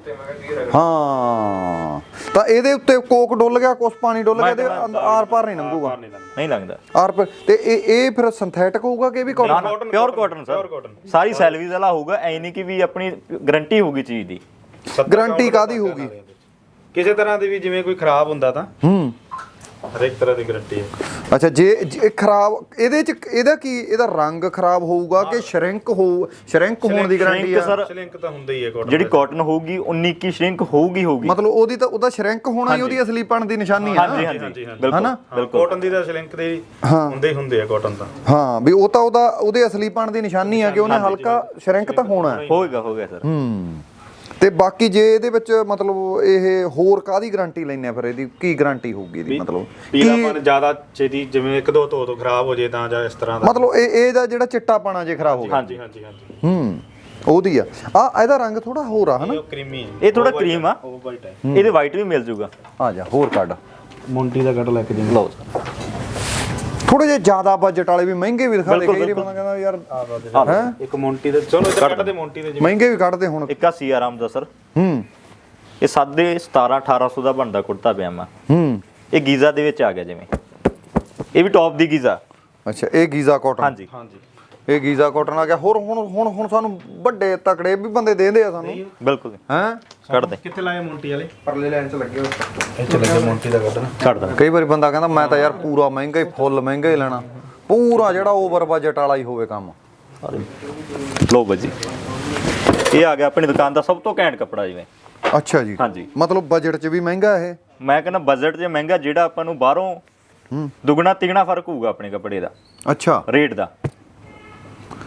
B: ਹਾਂ, ਤਾਂ ਇਹਦੇ ਉੱਤੇ ਕੋਕ ਡੁੱਲ ਗਿਆ, ਕੁਛ ਪਾਣੀ ਡੁੱਲ ਗਿਆ, ਤੇ ਆਰ ਪਾਰ ਨਹੀਂ ਲੰਘੂਗਾ,
C: ਨਹੀਂ ਲੱਗਦਾ
B: ਆਰ ਪਾਰ। ਤੇ ਇਹ ਇਹ ਫਿਰ ਸਿੰਥੈਟਿਕ ਹੋਊਗਾ ਕਿ ਇਹ ਵੀ
C: ਨਾ
B: ਕਾਟਨ?
C: ਨਾ, ਪਿਓਰ ਕਾਟਨ ਸਰ, ਸਾਰੀ ਸੈਲਵੀਜ਼ ਵਾਲਾ ਹੋਊਗਾ। ਐ ਨਹੀਂ ਕਿ ਵੀ ਆਪਣੀ ਗਾਰੰਟੀ ਹੋਊਗੀ ਚੀਜ਼ ਦੀ।
B: ਗਾਰੰਟੀ ਕਾਦੀ ਹੋਊਗੀ?
D: ਕਿਸੇ ਤਰ੍ਹਾਂ ਦੀ ਵੀ, ਜਿਵੇਂ ਕੋਈ ਖਰਾਬ ਹੁੰਦਾ ਤਾਂ
B: ਹੂੰ
D: ਹਰੇਕ ਤਰ੍ਹਾਂ ਦੀ ਗਾਰੰਟੀ ਹੈ।
B: ਅੱਛਾ, ਜੇ ਜੇ ਖਰਾਬ ਇਹਦੇ ਚ ਇਹਦਾ ਕੀ, ਇਹਦਾ ਰੰਗ ਖਰਾਬ ਹੋਊਗਾ ਕਿ ਸ਼ਰਿੰਕ ਹੋ ਸ਼ਰਿੰਕ ਹੋਣ ਦੀ ਗਾਰੰਟੀ ਆ?
C: ਸਰ
D: ਲਿੰਕ ਤਾਂ ਹੁੰਦਾ ਹੀ ਹੈ ਕਾਟਨ।
C: ਜਿਹੜੀ ਕਾਟਨ ਹੋਊਗੀ ਉਨੀ ਕੀ ਸ਼ਰਿੰਕ ਹੋਊਗੀ ਹੋਊਗੀ।
B: ਮਤਲਬ ਉਹਦੀ ਤਾਂ ਉਹਦਾ ਸ਼ਰਿੰਕ ਹੋਣਾ ਹੀ ਉਹਦੀ ਅਸਲੀਪਣ ਦੀ ਨਿਸ਼ਾਨੀ ਆ।
C: ਹਾਂਜੀ ਹਾਂਜੀ ਬਿਲਕੁਲ ਬਿਲਕੁਲ।
D: ਕਾਟਨ ਦੀ ਤਾਂ ਲਿੰਕ ਦੇ ਹੁੰਦੇ ਹੀ ਹੁੰਦੇ ਆ ਕਾਟਨ ਤਾਂ।
B: ਹਾਂ, ਵੀ ਉਹ ਤਾਂ ਉਹਦਾ ਉਹਦੇ ਅਸਲੀਪਣ ਦੀ ਨਿਸ਼ਾਨੀ ਆ ਕਿ ਉਹਨੇ ਹਲਕਾ ਸ਼ਰਿੰਕ ਤਾਂ ਹੋਣਾ ਹੈ।
C: ਹੋਏਗਾ ਹੋਏਗਾ ਸਰ।
B: ਹੂੰ ਤੇ ਬਾਕੀ ਜੇ ਇਹਦੇ ਵਿੱਚ ਮਤਲਬ ਇਹ ਹੋਰ ਕਾਦੀ ਗਾਰੰਟੀ ਲੈਣੇ ਆ ਫਿਰ? ਇਹਦੀ ਕੀ ਗਾਰੰਟੀ ਹੋਊਗੀ ਇਹਦੀ? ਮਤਲਬ
D: ਪੀਲਾਪਨ ਜ਼ਿਆਦਾ ਛੇਤੀ, ਜਿਵੇਂ ਇੱਕ ਦੋ ਧੋ ਤੋਂ ਖਰਾਬ ਹੋ ਜੇ ਤਾਂ, ਜਾਂ ਇਸ ਤਰ੍ਹਾਂ ਦਾ।
B: ਮਤਲਬ ਇਹ ਇਹਦਾ ਜਿਹੜਾ ਚਿੱਟਾਪਣਾ ਜੇ ਖਰਾਬ ਹੋ ਗਿਆ।
D: ਹਾਂਜੀ ਹਾਂਜੀ ਹਾਂਜੀ।
B: ਹੂੰ ਉਹਦੀ ਆ। ਆ ਇਹਦਾ ਰੰਗ ਥੋੜਾ ਹੋਰ ਆ ਹਨਾ?
D: ਇਹ ਕਰੀਮੀ ਹੈ,
C: ਇਹ ਥੋੜਾ ਕਰੀਮ ਆ,
D: ਉਹ ਵਾਈਟ ਹੈ।
C: ਇਹਦੇ ਵਾਈਟ ਵੀ ਮਿਲ ਜੂਗਾ।
B: ਆ ਜਾ ਹੋਰ ਕੱਢ।
D: ਮੌਂਟੀ ਦਾ ਕੱਟ ਲੈ ਕੇ ਦੇ।
C: ਲਓ
B: ਥੋੜੇ ਜਿਹੇ ਜ਼ਿਆਦਾ ਬਜਟ ਵਾਲੇ ਵੀ ਮਹਿੰਗੇ ਵੀ ਦਿਖਾ ਦੇ। ਕਈ ਵਾਰੀ ਬੰਦਾ ਕਹਿੰਦਾ ਯਾਰ ਹੈ
D: ਇੱਕ ਮੌਂਟੀ ਦੇ, ਚਲੋ ਇੱਧਰ ਕੱਟ ਦੇ ਮੌਂਟੀ ਦੇ।
B: ਮਹਿੰਗੇ ਵੀ ਕੱਢਦੇ ਹੁਣ।
C: ਇੱਕ ਆ ਸੀ ਆਰਾਮ ਦਾ ਸਰ,
B: ਹੂੰ
C: ਇਹ ਸਾਦੇ ਸਤਾਰਾਂ ਅਠਾਰਾਂ ਸੌ ਦਾ ਬਣਦਾ ਕੁੜਤਾ ਪਜਾਮਾ।
B: ਹੂੰ
C: ਇਹ ਗੀਜ਼ਾ ਦੇ ਵਿੱਚ ਆ ਗਿਆ ਜਿਵੇਂ, ਇਹ ਵੀ ਟੌਪ ਦੀ ਗੀਜ਼ਾ।
B: ਅੱਛਾ, ਇਹ ਗੀਜ਼ਾ ਕਾਟਨ।
C: ਹਾਂਜੀ
D: ਹਾਂਜੀ,
B: ਇਹ ਗੀਜ਼ਾ ਕਾਟਨ ਆ ਗਿਆ। ਹੋਰ ਹੁਣ ਹੁਣ ਹੁਣ ਸਾਨੂੰ ਵੱਡੇ ਤਕੜੇ ਵੀ ਬੰਦੇ ਦੇਂਦੇ ਆ ਸਾਨੂੰ,
C: ਬਿਲਕੁਲ
B: ਹੈਂ?
C: ਕੱਢ ਦੇ,
D: ਕਿੱਥੇ ਲਾਏ ਮੌਂਟੀ ਵਾਲੇ?
B: ਪਰਲੇ ਲਾਈਨ 'ਚ ਲੱਗੇ ਹੋਏ।
D: ਇੱਥੇ ਲੱਗੇ ਮੌਂਟੀ ਦਾ ਕੱਢਣਾ।
C: ਕੱਢ ਦੇ।
B: ਕਈ ਵਾਰੀ ਬੰਦਾ ਕਹਿੰਦਾ ਮੈਂ ਤਾਂ ਯਾਰ ਪੂਰਾ ਮਹਿੰਗਾ ਹੀ, ਫੁੱਲ ਮਹਿੰਗਾ ਹੀ ਲੈਣਾ, ਪੂਰਾ ਜਿਹੜਾ ਓਵਰ ਬਜਟ ਵਾਲਾ ਹੀ ਹੋਵੇ ਕੰਮ।
C: ਲਓ ਬਾਜੀ, ਇਹ ਆ ਗਿਆ ਆਪਣੀ ਦੁਕਾਨ ਦਾ ਸਭ ਤੋਂ ਘੈਂਟ ਕੱਪੜਾ ਜਿਵੇਂ।
B: ਅੱਛਾ ਜੀ,
C: ਹਾਂਜੀ।
B: ਮਤਲਬ ਬਜਟ 'ਚ ਵੀ ਮਹਿੰਗਾ ਇਹ?
C: ਮੈਂ ਕਹਿੰਦਾ ਬਜਟ 'ਚ ਮਹਿੰਗਾ, ਜਿਹੜਾ ਆਪਾਂ ਨੂੰ ਬਾਹਰੋਂ
B: ਹੂੰ
C: ਦੁੱਗਣਾ ਤਿਗਣਾ ਫਰਕ ਹੋਊਗਾ ਆਪਣੇ ਕੱਪੜੇ ਦਾ
B: ਅੱਛਾ,
C: ਰੇਟ ਦਾ।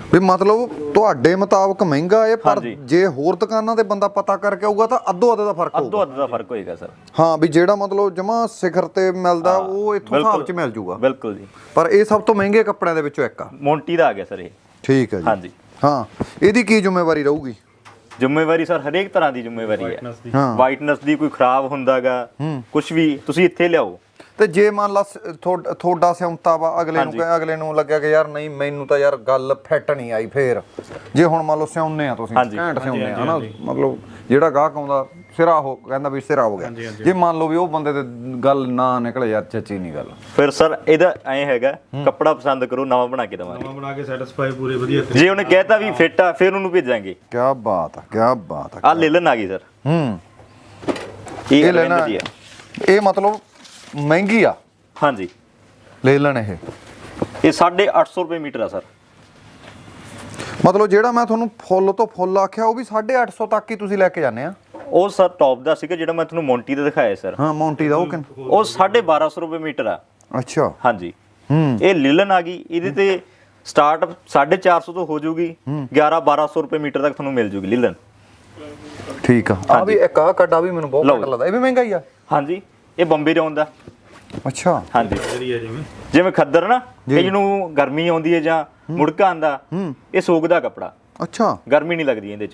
B: ਵੀ ਮਤਲਬ ਤੁਹਾਡੇ ਮੁਤਾਬਕ ਮਹਿੰਗਾ ਹੈ, ਪਰ
C: ਹਾਂਜੀ।
B: ਜੇ ਹੋਰ ਦੁਕਾਨਾਂ ਤੇ ਬੰਦਾ ਪਤਾ ਕਰਕੇ ਆਊਗਾ ਤਾਂ ਅੱਧੋ ਅੱਧ ਦਾ ਫਰਕ ਹੋਊਗਾ।
C: ਅੱਧੋ ਅੱਧ ਦਾ ਫਰਕ ਹੋਏਗਾ ਸਰ।
B: ਹਾਂ ਵੀ ਜਿਹੜਾ ਮਤਲਬ ਜਮਾ ਸਿਖਰ ਤੇ ਮਿਲਦਾ ਉਹ ਇੱਥੋਂ ਹਿਸਾਬ 'ਚ ਮਿਲ ਜੂਗਾ।
C: ਬਿਲਕੁਲ ਜੀ।
B: ਪਰ ਇਹ ਸਭ ਤੋਂ ਮਹਿੰਗੇ ਕੱਪੜਿਆਂ ਦੇ ਵਿੱਚੋਂ ਇੱਕ ਆ।
C: ਮੋਂਟੀ ਦਾ ਆ ਗਿਆ ਸਰ ਇਹ।
B: ਠੀਕ ਹੈ ਜੀ।
C: ਹਾਂਜੀ।
B: ਹਾਂ ਇਹਦੀ ਕੀ ਜ਼ਿੰਮੇਵਾਰੀ ਰਹੂਗੀ?
C: ਜ਼ਿੰਮੇਵਾਰੀ ਸਰ ਹਰੇਕ ਤਰ੍ਹਾਂ ਦੀ ਜ਼ਿੰਮੇਵਾਰੀ ਹੈ।
B: ਹਾਂ
C: ਵਾਈਟਨੈਸ ਦੀ ਕੋਈ ਖਰਾਬ ਹੁੰਦਾਗਾ ਕੁਝ ਵੀ ਤੁਸੀਂ ਇੱਥੇ ਲਿਆਓ।
B: ਤੇ ਜੇ ਮੰਨ ਲਾ ਸ- ਥੋੜ- ਥੋੜਾ ਸਿਉਂਤਾ ਵਾ ਅਗਲੇ ਨੂੰ ਕਹੇ, ਅਗਲੇ ਨੂੰ ਲੱਗਿਆ ਕਿ ਯਾਰ ਨਹੀਂ ਮੈਨੂੰ ਤਾਂ ਯਾਰ ਗੱਲ ਫਿੱਟ ਨਹੀਂ ਆਈ, ਫੇਰ ਜੇ ਹੁਣ ਮੰਨ ਲਓ ਸਿਉਂਨੇ ਆ ਤੁਸੀਂ
C: ਹਾਂਜੀ।
B: ਘੈਂਟ ਸਿਉਂਨੇ ਆ ਹਨਾ, ਮਤਲਬ ਜਿਹੜਾ ਗਾਹਕ ਆਉਂਦਾ ਸਿਰਾ ਹੋ ਕਹਿੰਦਾ ਵੀ ਸਿਰਾ ਹੋ ਗਿਆ, ਜੇ ਮੰਨ ਲਓ ਵੀ ਉਹ ਬੰਦੇ ਤੇ ਗੱਲ ਨਾ ਨਿਕਲੇ ਯਾਰ ਚੱਚੀ ਨਹੀਂ ਗੱਲ,
C: ਫਿਰ ਸਰ ਇਹਦਾ ਐਂ ਹੈਗਾ ਕੱਪੜਾ ਪਸੰਦ ਕਰੋ ਨਵਾਂ ਬਣਾ ਕੇ ਦੇਵਾਂਗੇ।
D: ਨਵਾਂ ਬਣਾ ਕੇ ਸੈਟੀਸਫਾਈ ਪੂਰੇ ਵਧੀਆ ਤਰੀਕੇ
C: ਜੇ ਉਹਨੇ ਕਹਿਤਾ ਵੀ ਫਿੱਟ ਆ ਫਿਰ ਉਹਨੂੰ ਭੇਜਾਂਗੇ।
B: ਕਿਆ ਬਾਤ ਆ, ਕਿਆ ਬਾਤ ਆ।
C: ਆ ਲੇਲਨ ਆ ਗਈ ਸਰ।
B: ਹੂੰ
C: ਇਹ
B: ਇਹ ਲੈਣਾ
C: ਲੈਣਾ ਦੀ ਆ।
B: ਇਹ ਮਤਲਬ ਮਹਿੰਗੀ ਆ
C: ਹਾਂਜੀ
B: ਲੈ ਲੈਣ ਇਹ
C: ਇਹ ਸਾਢੇ ਅੱਠ ਸੌ ਰੁਪਏ ਮੀਟਰ ਆ ਸਰ।
B: ਮਤਲਬ ਜਿਹੜਾ ਮੈਂ ਤੁਹਾਨੂੰ ਫੁੱਲ ਤੋਂ ਫੁੱਲ ਆਖਿਆ ਉਹ ਵੀ ਸਾਢੇ ਅੱਠ ਸੌ ਤੱਕ ਹੀ ਤੁਸੀਂ ਲੈ ਕੇ ਜਾਂਦੇ ਆ?
C: ਉਹ ਸਰ ਟੌਪ ਦਾ ਸੀਗਾ ਜਿਹੜਾ ਮੈਂ ਤੁਹਾਨੂੰ ਮੌਂਟੀ ਦਾ ਦਿਖਾਇਆ ਸਰ।
B: ਹਾਂ ਮੌਂਟੀ ਦਾ ਉਹ ਕਿੰਨ
C: ਉਹ ਸਾਢੇ ਬਾਰਾਂ ਸੌ ਰੁਪਏ ਮੀਟਰ ਆ।
B: ਅੱਛਾ।
C: ਹਾਂਜੀ।
B: ਹੂੰ
C: ਇਹ ਲਿਲਨ ਆ ਗਈ, ਇਹਦੇ ਤੇ ਸਟਾਰਟ ਸਾਢੇ ਚਾਰ ਸੌ ਤੋਂ ਹੋ ਜਾਊਗੀ, ਗਿਆਰਾਂ ਬਾਰਾਂ ਸੌ ਰੁਪਏ ਮੀਟਰ ਤੱਕ ਤੁਹਾਨੂੰ ਮਿਲ ਜੂਗੀ ਲਿਲਨ।
B: ਠੀਕ ਆ। ਆ ਵੀ ਇੱਕ ਆ ਕੱਢ, ਆ ਵੀ ਮੈਨੂੰ ਬਹੁਤ
C: ਲਓ।
B: ਘੱਟ ਲੱਗਦਾ, ਇਹ ਵੀ ਮਹਿੰਗਾ ਹੀ ਆ।
C: ਹਾਂਜੀ ਇਹ ਬੰਬੇ ਰੌਨ ਦਾ।
B: ਅੱਛਾ।
C: ਹਾਂਜੀ
D: ਜਿਹੜੀ ਹੈ ਜਿਵੇਂ
C: ਜਿਵੇਂ ਖੱਦਰ ਨਾ ਇਹ ਜਿਹਨੂੰ ਗਰਮੀ ਆਉਂਦੀ ਹੈ ਜਾਂ ਮੁੜਕਾ ਆਂਦਾ, ਇਹ ਸੋਕਦਾ ਕੱਪੜਾ,
B: ਅੱਛਾ
C: ਗਰਮੀ ਨਹੀਂ ਲੱਗਦੀ ਇਹਦੇ ਚ।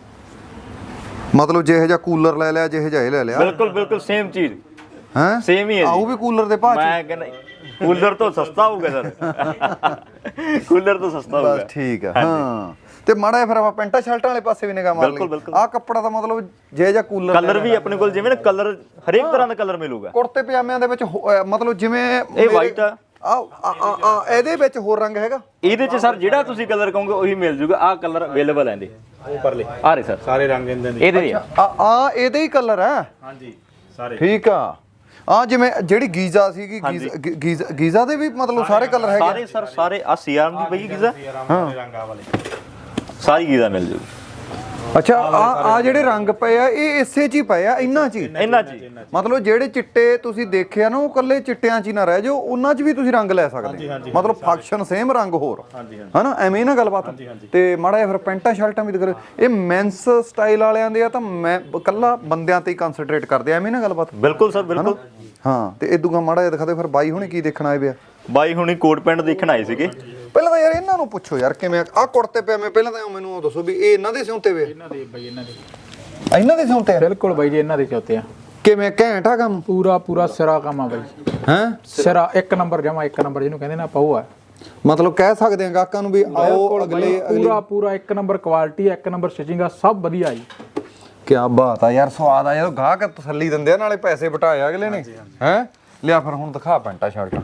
B: ਮਤਲਬ ਜਿਹੇ ਜਿਹਾ ਕੂਲਰ ਲੈ ਲਿਆ, ਜਿਹੇ ਜਿਹਾ ਇਹ ਲੈ ਲਿਆ,
C: ਬਿਲਕੁਲ ਬਿਲਕੁਲ ਸੇਮ ਚੀਜ਼,
B: ਹੈ
C: ਸੇਮ ਹੀ ਹੈ
B: ਆਉ
C: ਜੀ।
B: ਵੀ ਕੂਲਰ ਦੇ ਭਾਅ ਚ?
C: ਮੈਂ ਕਹਿੰਦਾ ਕੂਲਰ ਤੋਂ ਸਸਤਾ ਹੋਊਗਾ ਸਰ। ਕੂਲਰ ਤੋਂ ਸਸਤਾ ਹੋਊਗਾ।
B: ਬਸ ਠੀਕ ਆ। ਹਾਂ ਤੇ ਮਾੜਾ ਜਿਹਾ ਫਿਰ ਆਪਾਂ ਪੈਂਟਾਂ ਸ਼ਰਟਾਂ ਵਾਲੇ ਪਾਸੇ ਵੀ ਨਿਗਾਹ ਮਾਰ
C: ਬਿਲਕੁਲ,
B: ਲਈ।
C: ਬਿਲਕੁਲ।
B: ਆਹ ਕੱਪੜਾ ਤਾਂ ਮਤਲਬ ਜਿਹੇ ਜਿਹਾ ਕੂਲਰ
C: ਕਲਰ ਵੀ ਆਪਣੇ ਕੋਲ ਜਿਵੇਂ ਨਾ ਕਲਰ ਹਰੇਕ ਤਰ੍ਹਾਂ ਦਾ ਕਲਰ ਮਿਲੂਗਾ।
B: ਕੁੜਤੇ ਪਜਾਮਿਆਂ ਦੇ ਵਿੱਚ ਹੋ- ਅਹ ਮਤਲਬ ਜਿਵੇਂ
C: ਇਹ white ਆ।
B: ਆ ਆ ਆ ਇਹਦੇ ਵਿੱਚ ਹੋਰ ਰੰਗ ਹੈਗਾ?
C: ਇਹਦੇ ਚ ਸਰ ਜਿਹੜਾ ਤੁਸੀਂ ਕਲਰ ਕਹੋਗੇ ਉਹੀ ਮਿਲ ਜੂਗਾ। ਆਹ ਕਲਰ ਅਵੇਲੇਬਲ ਹੈ ਇਹਦੇ।
D: ਉਹ ਪਰਲੇ
C: ਆ ਰਹੇ ਸਰ
D: ਸਾਰੇ ਰੰਗ ਇਹਦੇ ਨੇ।
C: ਇਹਦੇ ਆ।
B: ਆ ਆ ਇਹਦੇ ਹੀ ਕਲਰ ਹੈ?
D: ਹਾਂਜੀ ਸਾਰੇ।
B: ਠੀਕ ਆ। ਆ ਜਿਵੇਂ ਜਿਹੜੀ ਗੀਜ਼ਾ ਸੀਗੀ, ਗੀਜ਼ਾ ਗੀਜ਼ਾ- ਗੀਜ਼ਾ ਦੇ ਵੀ ਮਤਲਬ ਸਾਰੇ ਕਲਰ ਹੈਗੇ?
C: ਸਾਰੇ ਸਰ ਸਾਰੇ ਆ ਸੀਆਰਮ ਦੀ ਪਈ ਗੀਜ਼ਾ,
D: ਹਾਂ ਰੰਗ ਆ ਵਾਲੇ
C: ਸਾਰੀ ਗੀਜ਼ਾ ਮਿਲ ਜੂਗੀ।
B: ਅੱਛਾ। ਆ ਆ ਜਿਹੜੇ ਰੰਗ ਪਏ ਆ ਇਹ ਇਸੇ ਚ ਹੀ ਪਏ ਆ, ਇਹਨਾਂ ਚ ਹੀ?
C: ਇਹਨਾਂ ਜੀ
B: ਮਤਲਬ ਜਿਹੜੇ ਚਿੱਟੇ ਤੁਸੀਂ ਦੇਖਿਆ ਨਾ ਉਹ ਕੱਲੇ ਚਿੱਟਿਆਂ ਚ ਹੀ ਨਾ ਰਹਿ ਜਾਓ, ਉਹਨਾਂ ਚ ਵੀ ਤੁਸੀਂ ਰੰਗ ਲੈ ਸਕਦੇ ਹੋ। ਮਤਲਬ ਫੰਕਸ਼ਨ ਸੇਮ ਰੰਗ ਹੋਰ, ਹਨਾ ਐਵੇਂ ਨਾ ਗੱਲਬਾਤ। ਤੇ ਮਾੜਾ ਜਿਹਾ ਫਿਰ ਪੈਂਟਾਂ ਸ਼ਰਟਾਂ ਵੀ ਦਿਖਾ। ਇਹ ਮੈਂਸ ਸਟਾਈਲ ਵਾਲਿਆਂ ਦੇ ਆ ਤਾਂ ਮੈਂ ਕੱਲਾ ਬੰਦਿਆਂ ਤੇ ਹੀ ਕਨਸੈਂਟਰੇਟ ਕਰਦੇ ਆ, ਐਵੇਂ ਨਾ ਗੱਲਬਾਤ?
C: ਬਿਲਕੁਲ ਸਰ ਬਿਲਕੁਲ।
B: ਹਾਂ ਤੇ ਇਦੂਗਾ ਮਾੜਾ ਜਿਹਾ ਦਿਖਾ ਦੇ ਫਿਰ ਬਾਈ ਹੁਣੇ ਕੀ ਦੇਖਣ ਆਏ ਪਿਆ?
C: ਬਾਈ ਹੁਣੀ ਕੋਟ ਪੈਂਟ ਦੇਖਣ ਆਏ ਸੀਗੇ।
B: ਪਹਿਲਾਂ ਤਾਂ ਯਾਰ ਇਹਨਾਂ ਨੂੰ ਪੁੱਛੋ ਯਾਰ ਕਿਵੇਂ ਆ ਕੁੜਤੇ ਪਏ ਮੈਂ ਪਹਿਲਾਂ ਤਾਂ ਮੈਨੂੰ ਉਹ ਦੱਸੋ ਵੀ ਇਹ ਇਹਨਾਂ ਦੇ ਸਿਉਂਤੇ ਵੇ?
E: ਇਹਨਾਂ ਦੇ ਬਾਈ ਇਹਨਾਂ ਦੇ
B: ਇਹਨਾਂ ਦੇ ਸਿਉਂਤੇ ਆ?
E: ਬਿਲਕੁਲ ਬਾਈ ਜੀ ਇਹਨਾਂ ਦੇ ਚੌਥੇ ਆ।
B: ਕਿਵੇਂ ਘੈਂਟ ਆ ਕੰਮ?
E: ਪੂਰਾ ਪੂਰਾ ਸਿਰਾ ਕੰਮ ਆ ਬਾਈ।
B: ਹੈ
E: ਸਿਰਾ ਇੱਕ ਨੰਬਰ ਜਮਾ ਇੱਕ ਨੰਬਰ ਜਿਹਨੂੰ ਕਹਿੰਦੇ ਨਾ ਪਾਉ ਆ।
B: ਮਤਲਬ ਕਹਿ ਸਕਦੇ ਆ ਗਾਹਕਾਂ ਨੂੰ ਵੀ ਆਓ
E: ਬਿਲਕੁਲ
B: ਅਗਲੇ
E: ਬਾਈ,
B: ਅਗਲੀ।
E: ਪੂਰਾ ਪੂਰਾ ਇੱਕ ਨੰਬਰ ਕੁਆਲਿਟੀ, ਇੱਕ ਨੰਬਰ ਸਟਿਚਿੰਗ ਆ, ਸਭ ਵਧੀਆ ਜੀ।
B: ਕਿਆ ਬਾਤ ਆ ਯਾਰ, ਸਵਾਦ ਆ ਜਦੋਂ ਗਾਹਕ ਤਸੱਲੀ ਦਿੰਦੇ ਆ, ਨਾਲੇ ਪੈਸੇ ਬਟਾਏ ਅਗਲੇ ਨੇ। ਹੈ ਲਿਆ ਫਿਰ ਹੁਣ ਦਿਖਾ ਪੈਂਟਾਂ ਸ਼ਰਟਾਂ।